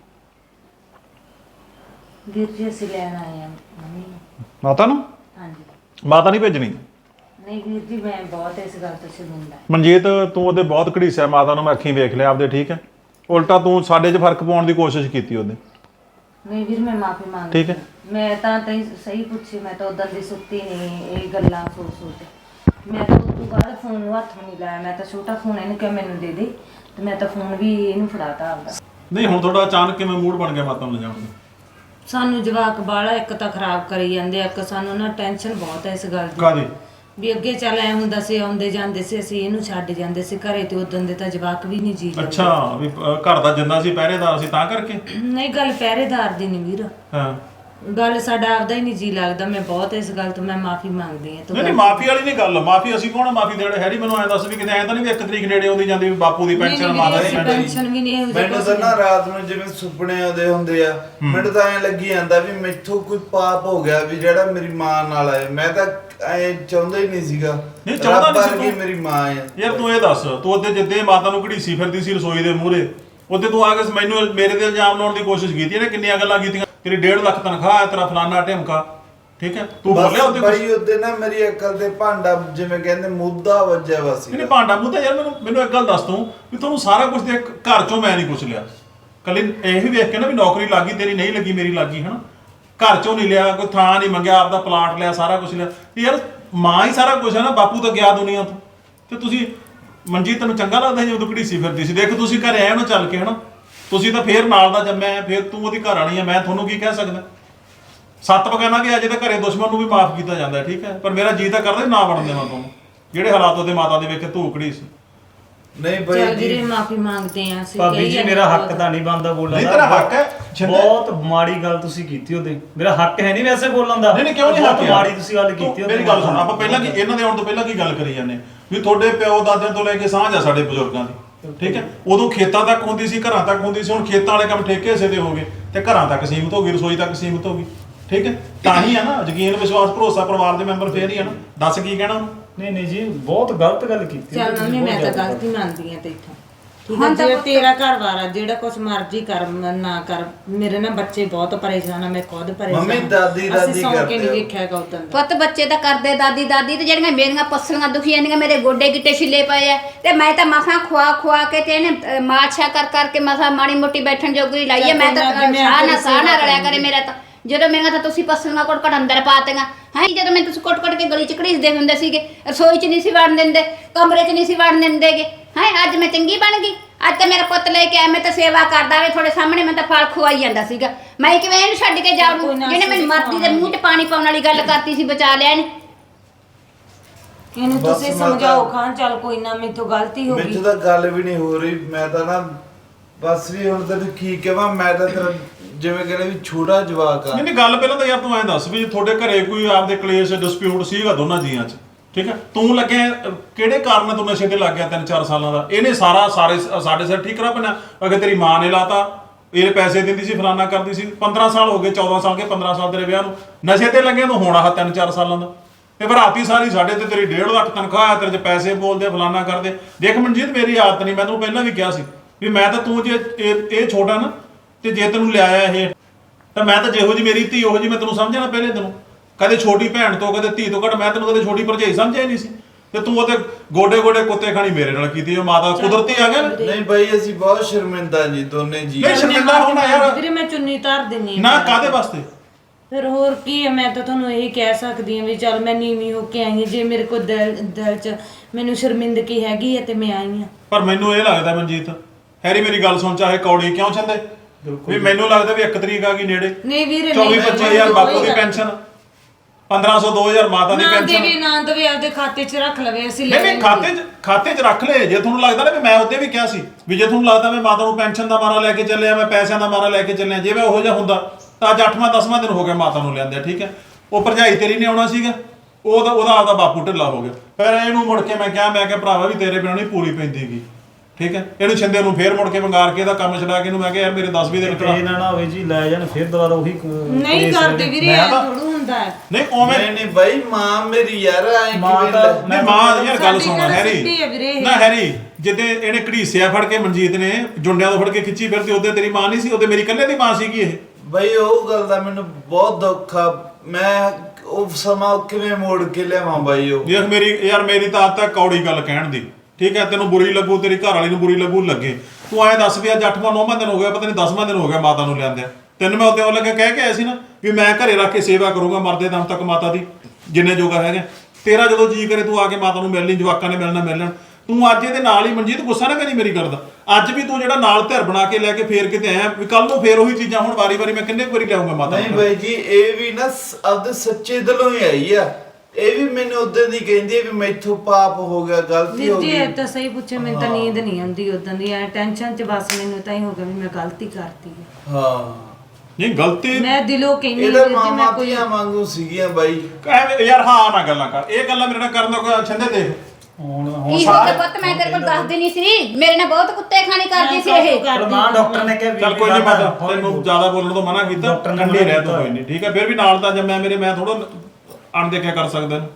S5: ਵੀਰ ਜੀ ਅਸੀਂ ਲੈਣ ਆਏ ਹਾਂ ਮੰਮੀ।
S2: ਮਾਤਾ ਨੂੰ?
S5: ਹਾਂਜੀ।
S2: ਮਾਤਾ ਨਹੀਂ ਭੇਜਣੀ?
S5: ਨਹੀਂ ਵੀਰ ਜੀ, ਮੈਂ ਬਹੁਤ ਇਸ ਗੱਲ ਤੋਂ ਸ਼ਰਮਿੰਦਾ।
S2: ਮਨਜੀਤ, ਤੂੰ ਉਹਦੇ ਬਹੁਤ ਘੜੀਸਿਆ ਮਾਤਾ ਨੂੰ। ਮੈਂ ਅੱਖੀਂ ਵੇਖ ਲਿਆ ਆਪਦੇ, ਠੀਕ ਹੈ। ਉਲਟਾ ਤੂੰ ਸਾਡੇ 'ਚ ਫਰਕ ਪਾਉਣ ਦੀ ਕੋਸ਼ਿਸ਼ ਕੀਤੀ ਉਹਦੇ।
S5: ਨਹੀਂ ਵੀਰ, ਮੈਂ ਮਾਫੀ ਮੰਗਦੀ।
S2: ਠੀਕ ਹੈ।
S5: ਮੈਂ ਤਾਂ ਤੈਨੂੰ ਸਹੀ ਪੁੱਛੀ, ਮੈਂ ਤਾਂ ਉਦੋਂ ਦੀ ਸੁੱਤੀ ਨਹੀਂ ਇਹ ਗੱਲਾਂ ਸੋਚ ਸੋਚ। ਮੈਂ ਤਾਂ ਉਸ ਤੋਂ ਬਾਅਦ ਫੋਨ ਨੂੰ ਹੱਥ ਨਹੀਂ ਲਾਇਆ। ਮੈਂ ਤਾਂ ਛੋਟਾ ਫੋਨ ਇਹਨੂੰ ਕਿਹਾ ਮੈਨੂੰ ਦੇ ਦੇ, ਤੇ ਮੈਂ ਤਾਂ ਫੋਨ ਵੀ ਇਹਨੂੰ ਫੜਾਤਾ ਆਪਦਾ।
S2: ਨਹੀਂ ਹੁਣ ਤੁਹਾਡਾ ਅਚਾਨਕ ਕਿਵੇਂ ਮੂਡ ਬਣ ਗਿਆ ਮਾਤਾ ਨੂੰ ਲਿਜਾਣ ਦਾ?
S5: ਸਾਨੂੰ ਜਵਾਕ ਬਾਹਲਾ ਇੱਕ ਤਾਂ ਖਰਾਬ ਕਰੀ ਜਾਂਦੇ ਆ, ਇੱਕ ਸਾਨੂੰ ਨਾ ਟੈਨਸ਼ਨ ਬਹੁਤ ਹੈ ਇਸ ਗੱਲ ਦੀ।
S2: ਕਾਹਦੀ?
S5: ਵੀ ਅੱਗੇ ਚੱਲ ਐ ਹੁੰਦਾ ਸੀ, ਆਉਂਦੇ ਜਾਂਦੇ ਸੀ ਅਸੀਂ, ਇਹਨੂੰ ਛੱਡ ਜਾਂਦੇ ਸੀ ਘਰੇ, ਤੇ ਉਦੋਂ ਦੇ ਤਾਂ ਜਵਾਕ ਵੀ ਨਹੀਂ ਜੀ ਲੱਗਦੇ।
S2: ਅੱਛਾ, ਵੀ ਅ, ਘਰ ਦਾ ਜਿੰਦਾ ਸੀ, ਪਹਿਰੇਦਾਰ ਸੀ, ਤਾਂ ਕਰਕੇ?
S5: ਨਹੀਂ, ਗੱਲ ਪਹਿਰੇਦਾਰ ਦੀ ਨਹੀਂ ਵੀਰ,
S2: ਹਾਂ।
S5: ਗੱਲ ਸਾਡਾ ਆਪਦਾ ਹੀ ਨਹੀਂ ਜੀ ਲੱਗਦਾ। ਮੈਂ ਬਹੁਤ ਇਸ ਗੱਲ ਤੋਂ ਮੈਂ ਮਾਫੀ ਮੰਗਦੀ ਹਾਂ।
S2: ਨਹੀਂ ਨਹੀਂ, ਮਾਫੀ ਵਾਲੀ ਨਹੀਂ ਗੱਲ। ਮਾਫੀ ਅਸੀਂ ਕੌਣ ਮਾਫੀ ਦੇੜੇ ਹੈਰੀ? ਮੈਨੂੰ ਐਂ ਦੱਸ ਵੀ ਕਿਤੇ ਐਂ ਤਾਂ ਨਹੀਂ ਵੀ ਇੱਕ ਤਰੀਕ ਨੇੜੇ ਆਉਂਦੀ ਜਾਂਦੀ ਵੀ ਬਾਪੂ ਦੀ ਪੈਨਸ਼ਨ, ਮਾਤਾ ਦੀ ਪੈਨਸ਼ਨ?
S5: ਪੈਨਸ਼ਨ ਵੀ ਨਹੀਂ ਇਹੋ ਜਿਹਾ
S4: ਮੈਨੂੰ ਤਾਂ ਨਾ ਰਾਤ ਨੂੰ ਜਿਵੇਂ ਸੁਪਨੇ ਆਉਂਦੇ ਹੁੰਦੇ ਆ, ਮੈਨੂੰ ਤਾਂ ਐਂ ਲੱਗੀ ਜਾਂਦਾ ਵੀ ਮੈਥੋਂ ਕੋਈ ਪਾਪ ਹੋ ਗਿਆ ਵੀ ਜਿਹੜਾ ਮੇਰੀ ਮਾਂ ਨਾਲ ਆਏ। ਮੈਂ ਤਾਂ ਐ ਚਾਹੁੰਦਾ ਹੀ ਨਹੀਂ ਸੀਗਾ।
S2: ਨਹੀਂ ਚਾਹੁੰਦਾ ਨਹੀਂ ਸੀ
S4: ਰੱਬ ਵਰਗੀ
S2: ਤੂੰ।
S4: ਮੇਰੀ ਮਾਂ ਆ
S2: ਯਾਰ ਤੂੰ ਇਹ ਦੱਸ, ਤੂੰ ਉਹਦੇ ਜਿੱਦੇ ਮਾਤਾ ਨੂੰ ਘੜੀਸੀ ਫਿਰਦੀ ਸੀ ਰਸੋਈ ਦੇ ਮੂਹਰੇ, ਉਹਦੇ ਤੂੰ ਆ ਕੇ ਮੈਨੂੰ ਮੇਰੇ ਤੇ ਇਲਜ਼ਾਮ ਲਾਉਣ ਦੀ ਕੋਸ਼ਿਸ਼ ਕੀਤੀ। ਇਹਨੇ ਕਿੰਨੀਆਂ ਗੱਲਾਂ ਕੀਤੀਆਂ, ਤੇਰੀ ਡੇਢ ਲੱਖ ਤਨਖਾਹ ਹੈ, ਤੇਰਾ ਫਲਾਨਾ ਢਿਮਕਾ, ਠੀਕ ਹੈ। ਤੂੰ ਬੋਲਿਆ ਉਹਦੇ ਕੁਝ?
S4: ਬਾਈ ਉਹਦੇ ਨਾ ਮੇਰੀ ਅਕਲ ਤੇ ਭਾਂਡਾ ਜਿਵੇਂ ਕਹਿੰਦੇ ਮੁੱਦਾ ਵੱਜਿਆ ਵਾ ਸੀ।
S2: ਨਹੀਂ ਭਾਂਡਾ ਮੁੱਦਾ ਯਾਰ। ਮੈਨੂੰ ਮੈਨੂੰ ਇੱਕ ਗੱਲ ਦੱਸ ਤੂੰ, ਵੀ ਤੁਹਾਨੂੰ ਸਾਰਾ ਕੁਝ ਦੇ ਘਰ ਚੋਂ ਮੈਂ ਨਹੀਂ ਪੁੱਛ ਲਿਆ। ਕੱਲੀ ਇਹ ਵੀ ਵੇਖ ਕੇ ਨਾ ਵੀ ਨੌਕਰੀ ਲੱਗੀ, ਤੇਰੀ ਨਹੀਂ ਲੱਗੀ, ਮੇਰੀ ਲੱਗੀ, ਹਨਾ। ਘਰ ਚੋਂ ਨਹੀਂ ਲਿਆ, ਕੋਈ ਥਾਂ ਨਹੀਂ ਮੰਗਿਆ, ਆਪਦਾ ਪਲਾਟ ਲਿਆ, ਸਾਰਾ ਕੁਝ ਲਿਆ। ਯਾਰ ਮਾਂ ਹੀ ਸਾਰਾ ਕੁਝ ਹੈ ਨਾ, ਬਾਪੂ ਤਾਂ ਗਿਆ ਦੁਨੀਆ ਤੋਂ। ਤੇ ਤੁਸੀਂ ਮਨਜੀਤ, ਤੈਨੂੰ ਚੰਗਾ ਲੱਗਦਾ ਜਦੋਂ ਘੜੀਸੀ ਫਿਰਦੀ ਸੀ? ਦੇਖ ਤੁਸੀਂ ਘਰੇ ਆਏ ਨਾ ਚੱਲ ਕੇ, ਹਨਾ। ਤੁਸੀਂ ਤਾਂ ਫੇਰ ਨਾਲ ਦਾ ਜੰਮਿਆ, ਫੇਰ ਤੂੰ ਉਹਦੀ ਘਰ ਆਣੀ ਹੈ। ਮੈਂ ਤੁਹਾਨੂੰ ਕੀ ਕਹਿ ਸਕਦਾ? ਸੱਤ ਬਗਾਨਾ ਵੀ ਅਜੇ ਤਾਂ ਘਰੇ ਦੁਸ਼ਮਣ ਨੂੰ ਵੀ ਮਾਫ ਕੀਤਾ ਜਾਂਦਾ, ਠੀਕ ਹੈ। ਪਰ ਮੇਰਾ ਜੀ ਤਾਂ ਕਰਦਾ ਨਾ ਬਣਨ ਦੇਵਾਂ ਤੁਹਾਨੂੰ, ਜਿਹੜੇ ਹਾਲਾਤ ਉਹਦੇ ਮਾਤਾ ਦੇ ਵੇਖ ਕੇ ਧੂਕੜੀ ਸੀ।
S4: ਨਹੀਂ
S5: ਚੱਲ
S4: ਬਾਈ
S5: ਵੀਰੇ
S4: ਜੀ
S5: ਮਾਫੀ ਮੰਗਦੇ ਆ ਅਸੀਂ
S3: ਭਾਬੀ
S5: ਕਹੀ
S3: ਜੀ
S5: ਜਾਂਦੇ
S3: ਮੇਰਾ ਹੱਕ
S5: ਬਹੁਤ।
S3: ਤਾਂ ਨਹੀਂ ਬਣਦਾ ਬੋਲਣ
S2: ਨਹੀਂ
S3: ਦਾ।
S2: ਤੇਰਾ ਹੱਕ ਹੈ ਛਿੰਦੇ
S3: ਬਹੁਤ ਮਾੜੀ ਗੱਲ ਤੁਸੀਂ ਕੀਤੀ ਉਹਦੇ। ਮੇਰਾ ਹੱਕ ਹੈ ਨਹੀਂ ਵੈਸੇ ਬੋਲਣ ਦਾ।
S2: ਨਹੀਂ ਨਹੀਂ ਕਿਉਂ ਨਹੀਂ
S3: ਬਹੁਤ
S2: ਹੱਕ
S3: ਮਾੜੀ ਤੁਸੀਂ ਗੱਲ
S2: ਤੂੰ
S3: ਕੀਤੀ
S2: ਮੇਰੀ ਗੱਲ ਸੁਣ ਆਪਾਂ ਪਹਿਲਾਂ ਕੀ ਇਹਨਾਂ ਦੇ ਆਉਣ ਤੋਂ ਪਹਿਲਾਂ ਕੀ ਗੱਲ ਕਰੀ ਜਾਂਦੇ ਵੀ ਤੁਹਾਡੇ ਪਿਓ ਦਾਦਿਆਂ ਤੋਂ ਲੈ ਕੇ ਸਾਂਝ ਆ ਸਾਡੇ ਬਜ਼ੁਰਗਾਂ ਦੀ ਠੀਕ ਹੈ ਉਦੋਂ ਖੇਤਾਂ ਤੱਕ ਹੁੰਦੀ ਸੀ ਘਰਾਂ ਤੱਕ ਹੁੰਦੀ ਸੀ ਹੁਣ ਖੇਤਾਂ ਵਾਲੇ ਕੰਮ ਠੇਕੇ ਹਿੱਸੇ ਦੇ ਹੋ ਗਏ ਤੇ ਘਰਾਂ ਤੱਕ ਸੀਮਿਤ ਹੋ ਗਈ ਰਸੋਈ ਤੱਕ ਸੀਮਿਤ ਹੋ ਗਈ ਠੀਕ ਹੈ ਤਾਂ ਹੀ ਆ ਨਾ ਯਕੀਨ ਵਿਸ਼ਵਾਸ ਭਰੋਸਾ ਪਰਿਵਾਰ ਦੇ ਮੈਂਬਰ ਫੇਰ ਹੀ ਆ ਨਾ ਦੱਸ ਕੀ ਕਹਿਣਾ ਉਹਨੂੰ
S3: ਨਹੀਂ ਨਹੀਂ ਜੀ ਬਹੁਤ ਗਲਤ ਗੱਲ ਕੀਤੀ
S5: ਚੱਲ
S3: ਤੁਸੀਂ,
S5: ਮੰਮੀ
S3: ਬਹੁਤ
S5: ਮੈਂ ਤਾਂ
S3: ਜ਼ਿਆਦਾ
S5: ਗਲਤੀ ਮੰਨਦੀ ਆ ਤੇ ਇੱਥੋਂ ਠੀਕ ਹੈ ਜੇ ਤੇਰਾ ਘਰ ਵਾਰ ਆ ਜਿਹੜਾ ਕੁਛ ਮਰਜ਼ੀ ਕਰ ਮ- ਨਾ ਕਰ ਮੇਰੇ ਨਾਲ ਬੱਚੇ ਬਹੁਤ ਪਰੇਸ਼ਾਨ ਆ ਮੈਂ ਖੁਦ ਪਰੇਸ਼ਾਨ
S4: ਮੰਮੀ
S5: ਆ।
S4: ਦਾਦੀ- ਦਾਦੀ
S5: ਅਸੀਂ ਸੌਂ ਕੇ
S4: ਕਰਦੇ
S5: ਨਹੀਂ
S4: ਆ।
S5: ਵੇਖਿਆਗਾ ਉਦੋਂ ਦਾ
S1: ਪੁੱਤ ਬੱਚੇ ਤਾਂ ਕਰਦੇ ਦਾਦੀ ਦਾਦੀ ਤੇ ਜਿਹੜੀਆਂ ਮੇਰੀਆਂ ਪੱਸਲੀਆਂ ਦੁਖੀਆਂ ਨੇ ਮੇਰੇ ਗੋਡੇ ਗਿੱਟੇ ਛਿੱਲੇ ਪਏ ਆ ਤੇ ਮੈਂ ਤਾਂ ਮਸਾਂ ਖਵਾ ਖਵਾ ਕੇ ਤੇ ਇਹਨੇ ਮਾਛਾ ਕਰ ਕਰਕੇ ਮਸਾਂ ਮਾੜੀ ਮੋਟੀ ਬੈਠਣ ਜੋਗੀ ਲਾਈ ਹੈ ਮੈਂ ਤਾਂ
S5: ਚੱਲ ਕੋਈ ਨਾ,
S1: ਸਾਹ ਨਾ
S5: ਮੈਂ
S1: ਸਾਹ ਨਾ
S5: ਤੇਰੀ
S1: ਰਲਿਆ ਕਰੇ ਮੇਰਾ ਤਾਂ ਜਦੋਂ ਮੇਰੀਆਂ ਤਾਂ ਤੁਸੀਂ ਪੱਸਲੀਆਂ ਕੋਟ ਕੋਟ ਅੰਦਰ ਪਾਤੀਆਂ ਹੈ ਜਦੋਂ ਮੈਂ ਤੁਸੀਂ ਕੋਟ ਕੋਟ ਕੇ ਗਲੀ ਚ ਘੜੀਸਦੇ ਹੁੰਦੇ ਸੀਗੇ ਰਸੋਈ ਚ ਨਹੀਂ ਸੀ ਵੜਨ ਦਿੰਦੇ ਕਮਰੇ ਚ ਨਹੀਂ ਸੀ ਵੜਨ ਦਿੰਦੇਗੇ ਹੈ ਅੱਜ ਮੈਂ ਚੰਗੀ ਬਣ ਗਈ ਅੱਜ ਤਾਂ ਮੇਰਾ ਪੁੱਤ ਲੈ ਕੇ ਆਇਆ ਮੈਂ ਤਾਂ ਸੇਵਾ ਕਰਦਾ ਵੇ ਤੁਹਾਡੇ ਸਾਹਮਣੇ ਮੈਂ ਤਾਂ ਫਲ ਖਵਾਈ ਜਾਂਦਾ ਸੀਗਾ ਮੈਂ ਕਿਵੇਂ ਇਹਨੂੰ ਛੱਡ ਕੇ ਜਾਵਾਂ ਜਿਹਨੇ ਮੈਨੂੰ ਮਰਦੀ ਦੇ ਮੂੰਹ 'ਚ ਪਾਣੀ ਪਾਉਣ ਵਾਲੀ ਗੱਲ ਕਰਤੀ ਸੀ ਬਚਾ ਲਿਆ ਇਹਨੇ
S5: ਇਹਨੂੰ
S4: ਬਸ
S5: ਤੁਸੀਂ
S4: ਮੈਂ ਤਾਂ-
S5: ਸਮਝਾਓ ਖਾਨ ਚੱਲ ਕੋਈ ਨਾ ਮੇਥੋਂ ਗਲਤੀ ਹੋ
S4: ਮੈਨੂੰ
S5: ਗਈ
S4: ਤਾਂ ਗੱਲ ਵੀ ਨਹੀਂ ਹੋ ਰਹੀ ਮੈਂ ਤਾਂ ਨਾ ਬਸ ਵੀ ਹੁਣ ਤੈਨੂੰ ਕੀ ਕਹਾਂ ਮੈਂ ਤਾਂ ਤੇਰਾ ਜਿਵੇਂ ਕਹਿੰਦੇ ਵੀ ਛੋਟਾ ਜਵਾਕ ਆ
S2: ਨਹੀਂ ਨਹੀਂ ਗੱਲ ਪਹਿਲਾਂ ਤਾਂ ਯਾਰ ਤੂੰ ਐਂ ਦੱਸ ਵੀ ਤੁਹਾਡੇ ਘਰੇ ਕੋਈ ਆਪਦੇ ਕਲੇਸ਼ ਡਿਸਪਿਊਟ ਸੀਗਾ ਦੋਨਾਂ ਜੀਆਂ 'ਚ ਠੀਕ ਹੈ ਤੂੰ ਲੱਗਿਆ ਅਹ, ਕਿਹੜੇ ਕਾਰਨ ਨਾਲ ਤੂੰ ਨਸ਼ੇ ਤੇ ਲੱਗ ਗਿਆ ਤਿੰਨ ਚਾਰ ਸਾਲਾਂ ਦਾ ਇਹਨੇ ਸਾਰਾ ਸਾਰੇ ਸਾਡੇ ਸਿਰ ਠੀਕ ਕਰਾ ਪੈਣਾ ਅਗਰ ਤੇਰੀ ਮਾਂ ਨੇ ਲਾਤਾ ਇਹ ਪੈਸੇ ਦਿੰਦੀ ਸੀ ਫਲਾਨਾ ਕਰਦੀ ਸੀ ਪੰਦਰਾਂ ਸਾਲ ਹੋ ਗਏ ਚੌਦਾਂ ਸਾਲ ਕੇ ਪੰਦਰਾਂ ਸਾਲ ਤੇਰੇ ਵਿਆਹ ਨੂੰ ਨਸ਼ੇ ਤੇ ਲੱਗਿਆ ਤੂੰ ਹੋਣਾ ਤਿੰਨ ਚਾਰ ਸਾਲਾਂ ਦਾ ਤੇ ਭਰਾਤੀ ਸਾਰੀ ਸਾਡੇ ਤੇ ਤੇਰੀ ਡੇਢ ਲੱਖ ਤਨਖਾਹ ਆ ਤੇਰੇ 'ਚ ਪੈਸੇ ਬੋਲਦੇ ਫਲਾਨਾ ਕਰਦੇ ਦੇਖ ਮਨਜੀਤ ਮੇਰੀ ਆਦਤ ਨਹੀਂ ਮੈਂ ਤੈਨੂੰ ਪਹਿਲਾਂ ਵੀ ਕਿਹਾ ਸੀ ਵੀ ਮੈਂ ਤਾਂ ਤੂੰ ਜੇ ਇਹ ਇਹ ਛੋਟਾ ਨਾ ਤੇ ਜੇ ਤੈਨੂੰ ਲਿਆਇਆ ਇਹ ਤਾਂ ਮੈਂ ਤਾਂ ਜਿਹੋ ਜੀ ਮੇਰੀ ਧੀ ਉਹੋ ਜੀ ਮੈਂ ਤੈਨੂੰ ਸਮਝਿਆ ਨਾ ਪਹਿਲੇ ਤੈਨੂੰ ਕਦੇ ਛੋਟੀ ਭੈਣ ਤੋਂ ਕਦੇ ਧੀ ਤੋਂ ਘੱਟ ਮੈਂ ਤੈਨੂੰ ਕਦੇ ਛੋਟੀ ਭਰਜਾਈ ਸਮਝਿਆ ਹੀ ਨਹੀਂ ਸੀ ਤੇ ਤੂੰ ਉਹਦੇ ਗੋਡੇ ਗੋਡੇ ਕੁੱਤੇ ਖਾਣੀ ਮੇਰੇ ਨਾਲ ਕੀਤੀ ਉਹ ਮਾਤਾ ਕੁਦਰਤੀ ਆ ਗਿਆ ਨਾ
S4: ਨਹੀਂ ਬਾਈ ਅਸੀਂ ਬਹੁਤ ਸ਼ਰਮਿੰਦਾ ਜੀ ਦੋਨੇ ਜੀ
S2: ਨਹੀਂ ਸ਼ਰਮਿੰਦਾ ਹੋਣਾ ਯਾਰ
S5: ਵੀਰੇ ਮੈਂ ਚੁੰਨੀ ਧਰ ਦਿੰਨੀ
S2: ਨਾ ਕਾਦੇ ਵਾਸਤੇ
S5: ਫਿਰ ਹੋਰ ਕੀ ਹੈ ਮੈਂ ਤਾਂ ਤੁਹਾਨੂੰ ਇਹੀ ਕਹਿ ਸਕਦੀ ਹਾਂ ਵੀ ਚੱਲ ਮੈਂ ਨੀਵੀਂ ਹੋ ਕੇ ਆਈ ਹਾਂ ਜੇ ਮੇਰੇ ਕੋਲ ਦਿਲ ਦਿਲ 'ਚ ਮੈਨੂੰ ਸ਼ਰਮਿੰਦਗੀ ਹੈਗੀ ਹੈ ਤੇ ਮੈਂ ਆਈ ਹਾਂ
S2: ਪਰ ਮੈਨੂੰ ਇਹ ਲੱਗਦਾ ਮਨਜੀਤ ਹੈਰੀ ਮੇਰੀ ਗੱਲ ਸੁਣ ਚਾਹੇ ਕੌੜੀ ਕਿਉਂ ਚੰਦੇ ਵੀ ਮੈਨੂੰ ਲੱਗਦਾ ਵੀ ਇੱਕ ਤਰੀਕ ਆ ਗਈ ਨੇੜੇ
S5: ਨਹੀਂ ਵੀਰੇ
S2: ਚੌਵੀ ਪੱਚੀ ਹਜ਼ਾਰ ਬਾਪੂ ਦੀ ਪੈਨਸ਼ਨ ਪੰਦਰਾਂ ਸੌ ਦੋ ਹਜ਼ਾਰ ਮਾਤਾ ਦੀ
S5: ਨਾ
S2: ਪੈਨਸ਼ਨ
S5: ਦੇਵੇ ਨਾ ਦੇਵੇ ਆਪਦੇ ਖਾਤੇ 'ਚ ਰੱਖ ਲਵੇ ਅਸੀਂ ਲੈ
S2: ਨਹੀਂ ਨਹੀਂ ਖਾਤੇ 'ਚ ਖਾਤੇ 'ਚ ਰੱਖ ਲੈ ਜੇ ਤੁਹਾਨੂੰ ਲੱਗਦਾ ਨਾ ਵੀ ਮੈਂ ਉਹਦੇ ਵੀ ਕਿਹਾ ਸੀ ਵੀ ਜੇ ਤੁਹਾਨੂੰ ਲੱਗਦਾ ਮੈਂ ਮਾਤਾ ਨੂੰ ਪੈਨਸ਼ਨ ਦਾ ਮਾਰਾ ਲੈ ਕੇ ਚੱਲਿਆ ਮੈਂ ਪੈਸਿਆਂ ਦਾ ਮਾਰਾ ਲੈ ਕੇ ਚੱਲਿਆ ਜੇ ਮੈਂ ਉਹੋ ਜਿਹਾ ਹੁੰਦਾ ਤਾਂ ਅੱਜ ਅੱਠਵਾਂ ਦਸਵਾਂ ਦਿਨ ਹੋ ਗਿਆ ਮਾਤਾ ਨੂੰ ਲਿਆਂਦੇ ਠੀਕ ਹੈ ਉਹ ਭਰਜਾਈ ਤੇਰੀ ਨੇ ਆਉਣਾ ਸੀਗਾ ਉਹਦਾ ਉਹਦਾ ਆਪਦਾ ਬਾਪੂ ਢਿੱਲਾ ਹੋ ਗਿਆ ਫਿਰ ਇਹਨੂੰ ਮੁੜ ਕੇ ਮੈਂ ਕਿਹਾ ਮੈਂ ਕਿਹਾ ਭਰਾਵਾ ਵੀ ਤੇਰੇ ਬਿਨਾਂ ਨਹੀਂ ਪੂਰੀ ਪੈਂਦੀਗੀ ਠੀਕ ਹੈ ਇਹਨੂੰ ਛਿੰਦੇ ਨੂੰ ਫੇਰ ਮੁੜ ਕੇ ਵੰਗਾਰ ਕੇ ਇਹਦਾ ਕੰਮ ਛਡਾ ਕੇ ਇਹਨੂੰ ਮੈਂ ਕਿਹਾ ਯਾਰ ਮੇਰੇ ਦਸ ਵੀਹ ਦਿਨ ਕਰਾ
S3: ਇਹ ਨਾ ਨਾ ਹੋਵੇ ਜੀ ਲੈ ਜਾਣ ਫਿਰ ਦੁਬਾਰਾ ਉਹੀ ਕ-
S5: ਨਹੀਂ
S3: ਕਲੇਸ਼
S5: ਕਰਦੇ
S3: ਰਹੇ।
S5: ਵੀਰੇ
S2: ਮੈਂ
S5: ਐ
S2: ਤਾਂ-
S5: ਥੋੜੂ ਹੁੰਦਾ ਹੈ
S2: ਨਹੀਂ ਉਵੇਂ
S4: ਨਹੀਂ ਨਹੀਂ ਬਾਈ ਮਾਂ ਮੇਰੀ ਯਾਰ ਐ
S3: ਮਾਂ
S4: ਕਿਵੇਂ
S3: ਤਾਂ-
S4: ਲੈ-
S2: ਨਹੀਂ ਮਾਂ ਯਾਰ ਗੱਲ
S5: ਸਾਡੀ
S2: ਸੁਣ
S5: ਕਿਹੜਾ
S2: ਹੈਰੀ
S5: ਸਿੱਧੀ ਹੈ ਵੀਰੇ ਇਹ।
S2: ਨਾ ਹੈਰੀ ਜਿੱਦੇ ਇਹਨੇ ਘੜੀਸਿਆ ਫੜ ਕੇ ਮਨਜੀਤ ਨੇ ਜੁੰਡਿਆਂ ਤੋਂ ਫੜ ਕੇ ਖਿੱਚੀ ਫਿਰਦੀ ਉਹਦੇ ਤੇਰੀ ਮਾਂ ਨਹੀਂ ਸੀ ਉਹਦੇ ਮੇਰੀ ਇਕੱਲੇ ਦੀ ਮਾਂ ਸੀਗੀ ਇਹ
S4: ਬਾਈ ਉਹ ਗੱਲ ਦਾ ਮੈਨੂੰ ਬਹੁਤ ਦੁੱਖ ਆ ਮੈਂ ਉਹ ਸਮਾਂ ਕਿਵੇਂ ਮੋੜ ਕੇ ਲਿਆਵਾਂ ਬਾਈ ਉਹ
S2: ਦੇਖ ਮੇਰੀ ਯਾਰ ਮੇਰੀ ਤਾਂ ਆਦਤ ਹੈ ਕੌੜੀ ਗੱਲ ਕਹਿਣ ਦੀ ਠੀਕ ਹੈ ਤੈਨੂੰ ਬੁਰੀ ਲੱਗੂ ਤੇਰੀ ਘਰ ਵਾਲੀ ਨੂੰ ਬੁਰੀ ਲੱਗੂ ਲੱਗੇ ਤੂੰ ਐਂ ਦੱਸ ਵੀ ਅੱਜ ਅੱਠਵਾਂ ਨੌਵਾਂ ਦਿਨ ਹੋ ਗਿਆ ਪਤਾ ਨਹੀਂ ਦਸਵਾਂ ਦਿਨ ਹੋ ਗਿਆ ਮਾਤਾ ਨੂੰ ਲਿਆਂਦਿਆਂ ਤੈਨੂੰ ਮੈਂ ਉੱਤੇ ਉਹ ਲੱਗੇ ਕਹਿ ਕੇ ਆਇਆ ਸੀ ਨਾ ਵੀ ਮੈਂ ਘਰੇ ਰੱਖ ਕੇ ਸੇਵਾ ਕਰੂੰਗਾ ਮਰਦੇ ਦਮ ਤੱਕ ਮਾਤਾ ਦੀ ਜਿੰਨੇ ਜੋਗਾ ਹੈਗਾ ਤੇਰਾ ਜਦੋਂ ਜੀ ਕਰੇ ਤੂੰ ਆ ਕੇ ਮਾਤਾ ਨੂੰ ਮਿਲ ਲਈ ਜਵਾਕਾਂ ਨੇ ਮਿਲਣਾ ਮਿਲਣ ਤੂੰ ਅੱਜ ਇਹਦੇ ਨਾਲ ਹੀ ਮਨਜੀਤ ਗੁੱਸਾ ਨਾ ਕਰੀ ਮੇਰੀ ਗੱਲ ਦਾ ਅੱਜ ਵੀ ਤੂੰ ਜਿਹੜਾ ਨਾਲ ਧਿਰ ਬਣਾ ਕੇ ਲੈ ਕੇ ਫੇਰ ਕਿਤੇ ਆਇਆ ਵੀ ਕੱਲ ਨੂੰ ਫੇਰ ਉਹੀ ਚੀਜ਼ਾਂ ਹੁਣ ਵਾਰੀ ਵਾਰੀ ਮੈਂ ਕਿੰਨੇ ਕੁ ਵਾਰੀ ਲਿਆਉਂਗਾ ਮਾਤਾ
S4: ਨਹੀਂ
S2: ਨੂੰ
S4: ਬਾਈ ਜੀ ਇਹ ਵੀ ਨਾ ਸ- ਆਪਦੇ ਸੱਚੇ ਦਿਲੋਂ ਹੀ ਆਈ ਆ ਇਹ ਵੀ ਮੈਨੂੰ ਉਦੋਂ ਦੀ ਕਹਿੰਦੀ ਹੈ ਵੀ ਮੈਥੋਂ ਪਾਪ ਹੋ ਗਿਆ ਗਲਤੀ
S5: ਵੀਰ
S4: ਹੋ
S5: ਜੀ
S4: ਗਈ
S5: ਇਹ ਤਾਂ ਸਹੀ ਪੁੱਛੇ ਮੈਨੂੰ ਤਾਂ ਨੀਂਦ ਨਹੀਂ ਆਉਂਦੀ ਉਦੋਂ ਦੀ ਐ ਟੈਨਸ਼ਨ 'ਚ ਬਸ ਮੈਨੂੰ ਤਾਂ ਹੀ ਹੋ ਗਿਆ ਵੀ ਮੈਂ ਗਲਤੀ ਕਰਤੀ ਹੈ
S4: ਹਾਂ
S2: ਨਹੀਂ ਗਲਤੀ
S5: ਮੈਂ ਦਿਲੋਂ ਕਹਿੰਦੀ
S4: ਇਹਦਾ
S5: ਵੀਰ ਜੀ ਮੈਂ
S4: ਮਾਮਾ
S5: ਕੋਈ
S4: ਧੀਆਂ ਵਾਂਗੂ ਸੀਗੀਆਂ ਬਾਈ
S2: ਐਵੇਂ ਯਾਰ ਹਾਂ ਨਾ ਗੱਲਾਂ ਕਰ ਇਹ ਗੱਲਾਂ ਮੇਰੇ ਨਾਲ ਕਰਨ ਦਾ ਕੋਈ ਛੰਦੇ ਦੇਖ
S3: ਹੁਣ ਹੁਣ
S1: ਕੀ ਹੋ ਗਿਆ ਪੁੱਤ ਮੈਂ ਤੇਰੇ ਕੋਲ ਦੱਸਦੀ ਨਹੀਂ ਸੀ ਮੇਰੇ ਨਾਲ ਬਹੁਤ ਕੁੱਤੇ ਖਾਣੀ ਕਰਦੀ ਸੀ ਇਹ
S3: ਪਰ ਮਾਂ ਡਾਕਟਰ ਨੇ ਕਿਹਾ ਵੀ
S2: ਚੱਲ ਕੋਈ ਨਹੀਂ ਮੈਂ ਤਾਂ
S3: ਹੌਲੀ
S2: ਤੈਨੂੰ
S3: ਬੋਲ।
S2: ਜ਼ਿਆਦਾ ਬੋਲਣ ਤੋਂ ਮਨਾ ਕੀਤਾ
S3: ਡਾਕਟਰ ਨੇ
S2: ਠੰਡੀ
S3: ਮਨਾ
S2: ਰਹਿ ਤੂੰ
S3: ਕੀਤਾ।
S2: ਕੋਈ ਨਹੀਂ ਠੀਕ ਹੈ ਫਿਰ ਵੀ ਨਾਲ ਤਾਂ ਜੰਮਿਆ ਮੇਰੇ ਮੈਂ ਥੋੜਾ ਅਣਦੇਖਿਆ ਕਰ ਸਕਦਾ ਇਹਨੂੰ।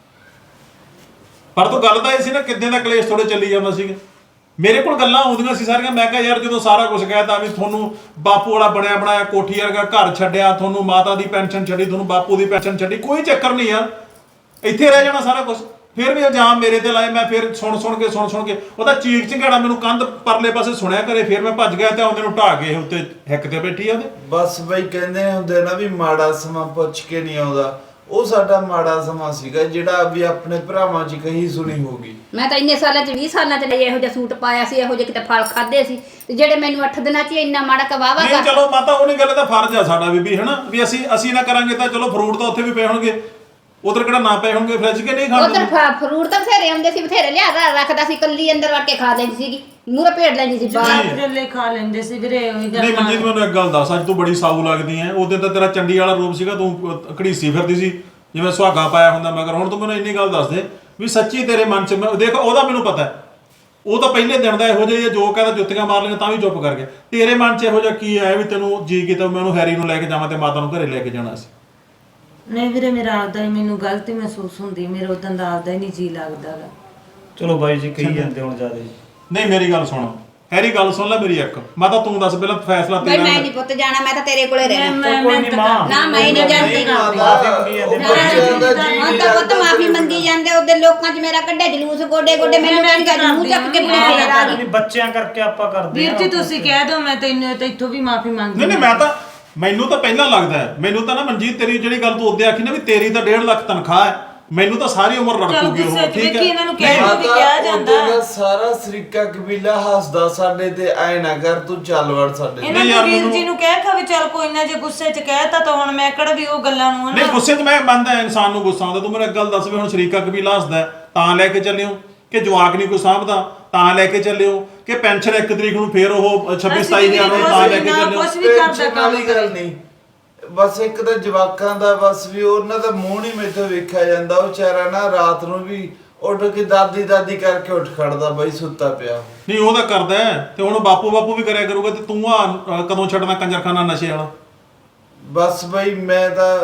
S2: ਪਰ ਤੂੰ ਗੱਲ ਤਾਂ ਇਹ ਸੀ ਨਾ ਕਿੱਦਾਂ ਦਾ ਕਲੇਸ਼ ਥੋੜੇ ਚੱਲੀ ਜਾਂਦਾ ਸੀਗਾ ਮੇਰੇ ਕੋਲ ਗੱਲਾਂ ਆਉਂਦੀਆਂ ਸੀ ਸਾਰੀਆਂ ਮੈਂ ਕਿਹਾ ਯਾਰ ਜਦੋਂ ਸਾਰਾ ਕੁਝ ਕਹਿਤਾ ਵੀ ਤੁਹਾਨੂੰ ਬਾਪੂ ਵਾਲਾ ਬਣਿਆ ਬਣਾਇਆ ਕੋਠੀ ਵਰਗਾ ਘਰ ਛੱਡਿਆ ਤੁਹਾਨੂੰ ਮਾਤਾ ਦੀ ਪੈਨਸ਼ਨ ਛੱਡੀ ਤੁਹਾਨੂੰ ਬਾਪੂ ਦੀ ਪੈਨਸ਼ਨ ਛੱਡੀ ਕੋਈ ਚੱਕਰ ਨਹੀਂ ਯਾਰ ਇੱਥੇ ਰਹਿ ਜਾਣਾ ਸਾਰਾ ਕੁਝ ਫਿਰ ਵੀ ਇਲਜ਼ਾਮ ਮੇਰੇ ਤੇ ਲਾਏ ਮੈਂ ਫਿਰ ਸੁਣ ਸੁਣ ਕੇ ਸੁਣ ਸੁਣ ਕੇ ਉਹਦਾ ਚੀਕ ਚਿੰਗਾੜਾ ਮੈਨੂੰ ਕੰਧ ਪਰਲੇ ਪਾਸੇ ਸੁਣਿਆ ਕਰੇ ਫਿਰ ਮੈਂ ਭੱਜ ਗਿਆ ਤੇ ਉਹਦੇ ਨੂੰ ਢਾਹ ਕੇ ਉੱਤੇ ਹਿੱਕ ਤੇ ਬੈਠੀ ਆ ਉਹਦੇ
S4: ਬਸ ਬਾਈ ਕਹਿੰਦੇ ਹੁੰਦੇ ਨਾ ਵੀ ਮਾੜਾ ਸਮਾਂ ਪੁੱਛ ਕੇ ਨਹੀਂ ਆਉਂਦਾ ਉਹ ਸਾਡਾ ਮਾੜਾ ਸਮਾਂ ਸੀਗਾ ਜਿਹੜਾ ਵੀ ਆਪਣੇ ਭਰਾਵਾਂ 'ਚ ਕਹੀ ਸੁਣੀ ਹੋਗੀ
S1: ਮੈਂ ਤਾਂ ਇੰਨੇ ਸਾਲਾਂ ਚ ਵੀਹ ਸਾਲਾਂ ਚ ਇਹੋ ਜਿਹਾ ਸੂਟ ਪਾਇਆ ਸੀ ਇਹੋ ਜਿਹੇ ਕਿਤੇ ਫਲ ਖਾਦੇ ਸੀ ਤੇ ਜਿਹੜੇ ਮੈਨੂੰ ਅੱਠ ਦਿਨਾਂ ਚ ਹੀ ਇੰਨਾ ਮਾੜਾ ਕਵਾਵਾ
S2: ਨਹੀਂ
S1: ਕਰ
S2: ਚਲੋ ਮਾਤਾ ਉਹਨੇ ਗੱਲ ਤਾਂ ਫਰਜ਼ ਆ ਸਾਡਾ ਬੀਬੀ ਹਨਾ ਵੀ ਅਸੀਂ ਅਸੀਂ ਨਾ ਕਰਾਂਗੇ ਤਾਂ ਚਲੋ ਫਰੂਟ ਤਾਂ ਉੱਥੇ ਵੀ ਪਏ ਹੋਣਗੇ ਉਧਰ ਕਿਹੜਾ ਨਾ ਪਏ ਹੋਣਗੇ ਫ੍ਰਿਜ ਕੇ ਨਹੀਂ ਖਾਂਦੇ
S1: ਉਧਰ ਫਰੂਟ ਤਾਂ ਬਥੇਰੇ ਆਉਂਦੇ ਸੀ, ਬਥੇਰੇ ਲਿਆ ਰ- ਰੱਖਦਾ ਸੀ, ਕੱਲੀ ਅੰਦਰ ਵੜ ਕੇ ਖਾ ਲੈਂਦੀ ਸੀਗੀ, ਮੂਹਰੇ ਭੇੜ ਲੈਂਦੀ ਸੀ ਬਾਹਰ।
S5: ਜਵਾਕ ਜੱਲੇ ਖਾ ਲੈਂਦੇ ਸੀ ਵੀਰੇ ਉਹੀ ਗੱਲ
S2: ਨਹੀਂ ਮਨਜੀਤ ਮੈਨੂੰ ਇੱਕ ਗੱਲ ਦੱਸ, ਅੱਜ ਤੂੰ ਬੜੀ ਸਾਊ ਲੱਗਦੀ ਐ। ਉਦੋਂ ਤਾਂ ਤੇਰਾ ਚੰਡੀ ਵਾਲਾ ਰੂਪ ਸੀਗਾ, ਤੂੰ ਘੜੀਸੀ ਫਿਰਦੀ ਸੀ ਜਿਵੇਂ ਸੁਹਾਗਾ ਪਾਇਆ ਹੁੰਦਾ ਮਗਰ। ਹੁਣ ਤੂੰ ਮੈਨੂੰ ਇੰਨੀ ਗੱਲ ਦੱਸ ਦੇ ਵੀ ਸੱਚੀ ਤੇਰੇ ਮਨ 'ਚ ਮੈਂ ਦੇਖ ਉਹਦਾ ਮੈਨੂੰ ਪਤਾ ਹੈ, ਉਹ ਤਾਂ ਪਹਿਲੇ ਦਿਨ ਦਾ ਇਹੋ ਜਿਹਾ ਜੋ ਕਹਿੰਦਾ ਜੁੱਤੀਆਂ ਮਾਰ ਲਈਆਂ ਤਾਂ ਵੀ ਚੁੱਪ ਕਰ ਗਿਆ। ਤੇਰੇ ਮਨ 'ਚ ਇਹੋ ਜਿਹਾ ਕੀ ਆਇਆ ਵੀ ਤੈਨੂੰ ਜੀ ਕੀਤਾ ਮੈਂ ਉਹਨੂੰ ਹੈਰੀ ਨੂੰ ਲੈ ਕੇ ਜਾਵਾਂ ਤੇ ਮਾਤਾ ਨੂੰ ਘਰੇ ਲੈ ਕੇ ਜਾਣਾ ਸੀ?
S5: ਨਹੀਂ ਵੀਰੇ ਮੇਰਾ ਆਪਦਾ ਹੀ ਮੈਨੂੰ ਗਲਤੀ ਮਹਿਸੂਸ ਹੁੰਦੀ, ਮੇਰਾ ਉਦੋਂ ਦਾ ਆਪਦਾ ਹੀ ਨਹੀਂ ਜੀ ਲੱਗਦਾ ਗਾ।
S3: ਚਲੋ ਬਾਈ ਜੀ ਕਹੀ ਜਾਂਦੇ ਹੁਣ ਜ਼ਿਆਦਾ ਜੀ।
S2: ਨਹੀਂ ਮੇਰੀ ਗੱਲ ਸੁਣ ਹੈਰੀ, ਗੱਲ ਸੁਣ ਲੈ ਮੇਰੀ ਇੱਕ। ਮਾਤਾ ਤੂੰ ਦੱਸ ਪਹਿਲਾਂ ਫੈਸਲਾ
S1: ਬਈ
S2: ਤੇਰਾ।
S1: ਮੈਂ ਨਹੀਂ ਪੁੱਤ ਜਾਣਾ, ਮੈਂ ਤਾਂ ਤੇਰੇ ਕੋਲੇ ਰਹਿਣਾ।
S5: ਮੈਂ
S3: ਕੋਈ
S5: ਮੈਂ
S3: ਨਹੀਂ ਮਾਂ।
S1: ਨਾ ਮੈਂ ਨਹੀਂ ਜਾਂਦੀ।
S3: ਮਾਫੀ ਮੰਗੀ ਜਾਂਦੇ
S4: ਉਹ ਬੱਚਿਆਂ ਦਾ ਜੀ
S1: ਹੁਣ ਤਾਂ ਪੁੱਤ ਮਾਫੀ ਮੰਗੀ ਜਾਂਦੇ, ਉਹਦੇ ਲੋਕਾਂ 'ਚ ਮੇਰਾ ਕੱਢਿਆ ਜਲੂਸ ਗੋਡੇ ਗੋਡੇ, ਮੈਨੂੰ ਕਹਿੰਦੀ ਅੱਜ ਮੂੰਹ ਚੱਕ ਕੇ ਪੂਰੇ ਫੇਰ ਆ ਗਈ।
S3: ਨਹੀਂ ਬੱਚਿਆਂ ਕਰਕੇ ਆਪਾਂ ਕਰਦੇ
S5: ਵੀਰ
S3: ਹਾਂ।
S5: ਜੀ ਤੁਸੀਂ ਕਹਿ ਦਿਓ, ਮੈਂ ਤੈਨੂੰ ਤੇ ਇੱਥੋਂ ਵੀ ਮਾਫੀ ਮੰਗਦੀ।
S2: ਨਹੀਂ ਨਹੀਂ ਮੈਂ ਤਾਂ ਮੈਨੂੰ ਤਾਂ ਪਹਿਲਾਂ ਲੱਗਦਾ ਹੈ, ਮੈਨੂੰ ਤਾਂ ਨਾ ਮਨਜੀਤ ਤੇਰੀ ਜਿਹੜੀ ਗੱਲ ਤੂੰ ਉਹਦੇ ਆਖੀ ਨਾ ਵੀ ਤੇਰੀ ਤਾਂ ਡੇਢ ਲੱਖ ਤਨਖਾਹ ਹੈ, ਮੈਨੂੰ ਤਾਂ ਸਾਰੀ ਉਮਰ ਰੜਕੂਗੀ ਉਹ। ਠੀਕ ਹੈ
S5: ਇਹਨਾਂ ਨੂੰ ਕਹਿ ਦਿਓ ਵੀ ਕਿਹਾ ਜਾਂਦਾ।
S4: ਉਹਦਾ ਸਾਰਾ ਸਰੀਕਾ ਕਬੀਲਾ ਹੱਸਦਾ ਸਾਡੇ ਤੇ, ਐ ਨਾ ਕਰ ਤੂੰ ਚੱਲ ਵੜ ਸਾਡੇ।
S5: ਇਹਨਾਂ ਨੂੰ ਵੀਰ ਜੀ ਨੂੰ ਕਹਿ ਖਾ ਵੀ ਚੱਲ ਕੋਈ ਨਾ, ਜੇ ਗੁੱਸੇ 'ਚ ਕਹਿਤਾ ਤਾਂ ਹੁਣ ਮੈਂ ਕਿਹੜਾ ਵੀ ਉਹ ਗੱਲਾਂ ਨੂੰ
S2: ਨਹੀਂ ਗੁੱਸੇ 'ਚ ਮੈਂ ਮੰਨਦਾ ਇਨਸਾਨ ਨੂੰ ਗੁੱਸਾ ਆਉਂਦਾ। ਤੂੰ ਮੈਨੂੰ ਇੱਕ ਗੱਲ ਦੱਸ ਵੀ ਹੁਣ ਸ਼ਰੀਕਾ ਕਬੀਲਾ ਹੱਸਦਾ ਹੈ, ਤਾਂ ਲੈ ਕੇ ਚੱਲਿਓ ਕਿ ਜਵਾਕ ਨਹੀਂ ਕੋਈ ਸਾਂਭਦਾ ਤਾਂ ਲੈ ਕੇ ਚੱਲਿਓ ਕਿ ਪੈਨਸ਼ਨ ਇੱਕ ਤਰੀਕ ਨੂੰ ਫੇਰ ਉਹ ਛੱਬੀ ਸਤਾਈ ਹਜ਼ਾਰ ਨੂੰ ਤਾਂ ਲੈ ਕੇ ਚੱਲਿਓ?
S5: ਕੁਛ ਵੀ ਕਰਦਾ
S4: ਟੈਨਸ਼ਨ
S5: ਕੰਮ
S4: ਵਾਲੀ ਗੱਲ ਨਹੀਂ, ਬਸ ਇੱਕ ਤਾਂ ਜਵਾਕਾਂ ਦਾ ਬਸ ਵੀ ਉਹਨਾਂ ਦਾ ਮੂੰਹ ਨਹੀਂ ਮੇਥੋਂ ਵੇਖਿਆ ਜਾਂਦਾ। ਉਹ ਵਿਚਾਰਾ ਨਾ ਰਾਤ ਨੂੰ ਵੀ ਉੱਠ ਕੇ ਦਾਦੀ ਦਾਦੀ ਕਰਕੇ ਉੱਠ ਖੜਦਾ ਬਈ, ਸੁੱਤਾ ਪਿਆ।
S2: ਨਹੀਂ ਉਹ ਤਾਂ ਕਰਦਾ ਹੈ, ਤੇ ਹੁਣ ਬਾਪੂ ਬਾਪੂ ਵੀ ਕਰਿਆ ਕਰੂਗਾ, ਤੇ ਤੂੰ ਆ ਕਦੋਂ ਛੱਡਣਾ ਕੰਜਰਖਾਨਾ ਨਸ਼ੇ ਵਾਲਾ?
S4: ਬਸ ਬਈ ਮੈਂ ਤਾਂ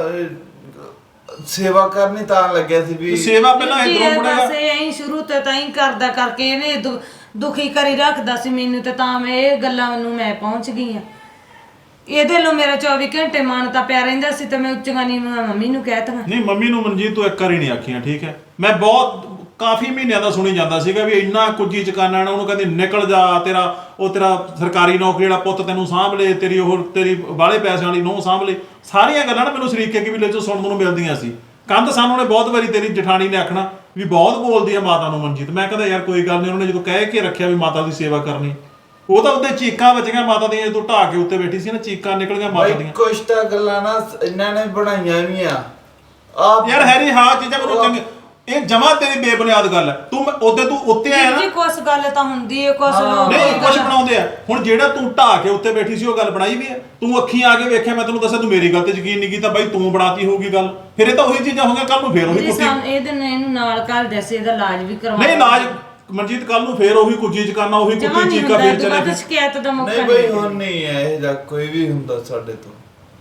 S4: ਅਹ, ਸੇਵਾ ਕਰਨੀ ਤਾਂ ਲੱਗਿਆ ਸੀ ਵੀ।
S2: ਸੇਵਾ ਪਹਿਲਾਂ ਇਧਰੋਂ
S5: ਬਸ
S2: ਮੁੜੇਗਾ।
S5: ਐਂ ਸ਼ੁਰੂ ਤੋਂ ਤਾਂ ਹੀ ਕਰਦਾ ਕਰਕੇ ਇਹਨੇ ਦੁ- ਦੁਖੀ ਕਰੀ ਰੱਖਦਾ ਸੀ ਮੈਨੂੰ, ਤੇ ਤਾਂ ਮੈਂ ਇਹ ਗੱਲਾਂ ਨੂੰ ਮੈਂ ਪਹੁੰਚ ਗਈ ਆ। ਇਹਦੇ ਲੋ ਮੇਰਾ ਚੌਵੀ ਘੰਟੇ ਮਨ ਤਾਂ ਪਿਆ ਰਹਿੰਦਾ ਸੀ, ਤੇ ਮੈਂ ਉੱਚੀਆਂ ਨੀਵੀਆਂ ਮੰਮੀ ਨੂੰ ਕਹਿਤਾ।
S2: ਨਹੀਂ ਮੰਮੀ ਨੂੰ ਮਨਜੀਤ ਤੂੰ ਇੱਕ ਵਾਰੀ ਨਹੀਂ ਆਖੀਆਂ, ਠੀਕ ਹੈ? ਮੈਂ ਬਹੁਤ ਕਾਫੀ ਮਹੀਨਿਆਂ ਦਾ ਸੁਣੀ ਜਾਂਦਾ ਸੀਗਾ ਵੀ ਇੰਨਾ ਕੁੱਜੀ ਚਕਾਨਾ ਨਾ, ਉਹਨੂੰ ਕਹਿੰਦੀ ਨਿਕਲ ਜਾ, ਤੇਰਾ ਉਹ ਤੇਰਾ ਸਰਕਾਰੀ ਨੌਕਰੀ ਵਾਲਾ ਪੁੱਤ ਤੈਨੂੰ ਸਾਂਭ ਲੇ, ਤੇਰੀ ਉਹ ਤੇਰੀ ਬਾਹਲੇ ਪੈਸਿਆਂ ਵਾਲੀ ਨੂੰਹ ਸਾਂਭ ਲੇ। ਸਾਰੀਆਂ ਗੱਲਾਂ ਨਾ ਮੈਨੂੰ ਸ਼ਰੀਕੇ ਕਬੀਲੇ ਚੋਂ ਸੁਣਨ ਨੂੰ ਮਿਲਦੀਆਂ ਸੀ। ਕੰਧ ਸਾਨੂੰ ਨੇ ਬਹੁਤ ਵਾਰੀ ਤੇਰੀ ਜਠਾਣੀ ਨੇ ਆਖਣਾ ਵੀ ਬਹੁਤ ਬੋਲਦੀ ਆ ਮਾਤਾ ਨੂੰ ਮਨਜੀਤ। ਮੈਂ ਕਹਿੰਦਾ ਯਾਰ ਕੋਈ ਗੱਲ ਨਹੀਂ, ਉਹਨੇ ਜਦੋਂ ਕਹਿ ਕੇ ਰੱਖਿਆ ਵੀ ਮਾਤਾ ਦੀ ਸੇਵਾ ਕਰਨੀ, ਉਹ ਤਾਂ ਉਹਦੇ ਚੀਕਾਂ ਵੱਜੀਆਂ ਮਾਤਾ ਦੀਆਂ, ਜਦੋਂ ਢਾਹ ਕੇ ਉੱਤੇ ਬੈਠੀ ਸੀ ਨਾ, ਚੀਕਾਂ ਨਿਕਲੀਆਂ ਮਾਤਾ
S4: ਬਈ
S2: ਦੀਆਂ।
S4: ਕੁਛ ਤਾਂ ਗੱਲਾਂ ਨਾ ਇਹਨਾਂ ਨੇ ਬਣਾਈਆਂ ਵੀ ਆ ਆਪ।
S2: ਯਾਰ ਹੈਰੀ ਹਾਂ ਚੀਜ਼ਾਂ ਮੈਨੂੰ ਚੰਗੀ, ਇਹ ਜਮਾ ਤੇਰੀ ਬੇਬੁਨਿਆਦ ਗੱਲ ਹੈ। ਤੂੰ ਉਹਦੇ ਤੂੰ ਉੱਤੇ ਆਇਆ ਨਾ,
S5: ਜੀ ਕੁਛ ਗੱਲ ਤਾਂ ਹੁੰਦੀ ਹੈ, ਕੁਛ ਲੋਕ
S2: ਨਹੀਂ ਕੁਝ ਬਣਾਉਂਦੇ ਆ। ਹੁਣ ਜਿਹੜਾ ਤੂੰ ਢਾਹ ਕੇ ਉੱਤੇ ਬੈਠੀ ਸੀ ਉਹ ਗੱਲ ਬਣਾਈ ਵੀ ਹੈ? ਤੂੰ ਅੱਖੀਂ ਆ ਕੇ ਵੇਖਿਆ, ਮੈਂ ਤੈਨੂੰ ਦੱਸਿਆ ਤੂੰ ਮੇਰੀ ਗੱਲ ਤੇ ਯਕੀਨ ਨਹੀਂ ਕੀਤਾ, ਬਾਈ ਤੂੰ ਬਣਾਤੀ ਹੋਊਗੀ ਗੱਲ। ਫਿਰ ਇਹ ਤਾਂ ਉਹੀ ਚੀਜ਼ਾਂ ਹੋਣਗੀਆਂ, ਕੱਲ ਨੂੰ ਫੇਰ ਉਹੀ ਕੁੱਤੀ।
S5: ਇਹਦੇ ਨੇ ਇਹਨੂੰ ਨਾਲ ਕਰ ਦੱਸੇ, ਇਹਦਾ ਇਲਾਜ ਵੀ ਕਰਵਾ।
S2: ਨਹੀਂ ਇਲਾਜ ਮਨਜੀਤ ਕੱਲ ਨੂੰ ਫੇਰ ਉਹੀ ਕੁੱਜੀ ਚ ਕਰਨਾ, ਉਹੀ
S5: ਜਮਾ
S2: ਕੁੱਤੀ
S5: ਨਹੀਂ
S2: ਚੀਕਾ
S5: ਹੁੰਦਾ,
S2: ਫੇਰ ਚਲੇ
S5: ਦੁਬਾਰਾ ਸ਼ਿਕਾਇਤ ਦਾ ਮੌਕਾ
S4: ਨਹੀਂ ਬਈ ਹੁਣ ਨਹੀਂ ਹੈ ਇਹ ਜਾਂ ਕੋਈ ਵੀ ਹੁੰਦਾ ਸਾਡੇ ਤੋਂ।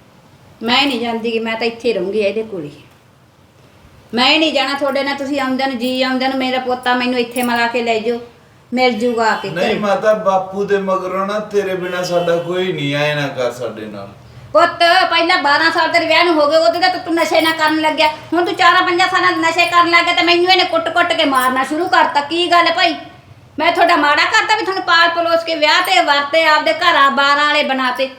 S1: ਮੈਂ ਨਹੀਂ ਜਾਂਦੀ ਕਿ ਮੈਂ ਤਾਂ ਇੱਥੇ ਰਹੂੰਗੀ ਇਹਦੇ ਕੋਲ ਹੀ। ਮੈਂ ਨਹੀਂ ਜਾਣਾ ਤੁਹਾਡੇ ਨਾਲ, ਤੁਸੀਂ ਆਉਂਦੇ ਨੂੰ ਜੀ ਆਉਂਦੇ ਨੂੰ ਮੇਰਾ ਪੋਤਾ ਮੈਨੂੰ ਇੱਥੇ ਮਿਲਾ ਕੇ ਲੈ ਜਾਓ, ਮਿਲ ਜੂਗਾ ਆ ਕੇ
S4: ਨਹੀਂ
S1: ਘਰੇ।
S4: ਮਾਤਾ ਬਾਪੂ ਦੇ ਮਗਰੋਂ ਨਾ ਤੇਰੇ ਬਿਨਾ ਸਾਡਾ ਕੋਈ ਨਹੀਂ, ਆਏ ਨਾ ਕਰ ਸਾਡੇ ਨਾਲ।
S1: ਪੁੱਤ ਪਹਿਲਾਂ ਬਾਰਾਂ ਸਾਲ ਤੇਰੇ ਵਿਆਹ ਨੂੰ ਹੋ ਗਏ, ਉਹਦੇ ਤਾਂ ਤੂੰ ਨਸ਼ੇ ਨਾ ਕਰਨ ਲੱਗਿਆ। ਹੁਣ ਤੂੰ ਚਾਰਾਂ ਪੰਜਾਂ ਸਾਲਾਂ ਦੇ ਨਸ਼ੇ ਕਰਨ ਲੱਗ ਗਿਆ ਤੇ ਮੈਨੂੰ ਇਹਨੇ ਕੁੱਟ-ਕੁੱਟ ਕੇ ਮਾਰਨਾ ਸ਼ੁਰੂ ਕਰਤਾ। ਕੀ ਗੱਲ ਹੈ ਭਾਈ? ਮੈਂ ਤੁਹਾਡਾ ਮਾੜਾ ਕਰਤਾ ਵੀ ਤੁਹਾਨੂੰ ਪਾਲ ਪਲੋਸ ਕੇ ਵਿਆਹ ਤੇ ਵਰਤੇ, ਆਪਦੇ ਘਰਾਂ ਬਾਰਾਂ ਵਾਲੇ ਬਣਾਤੇ?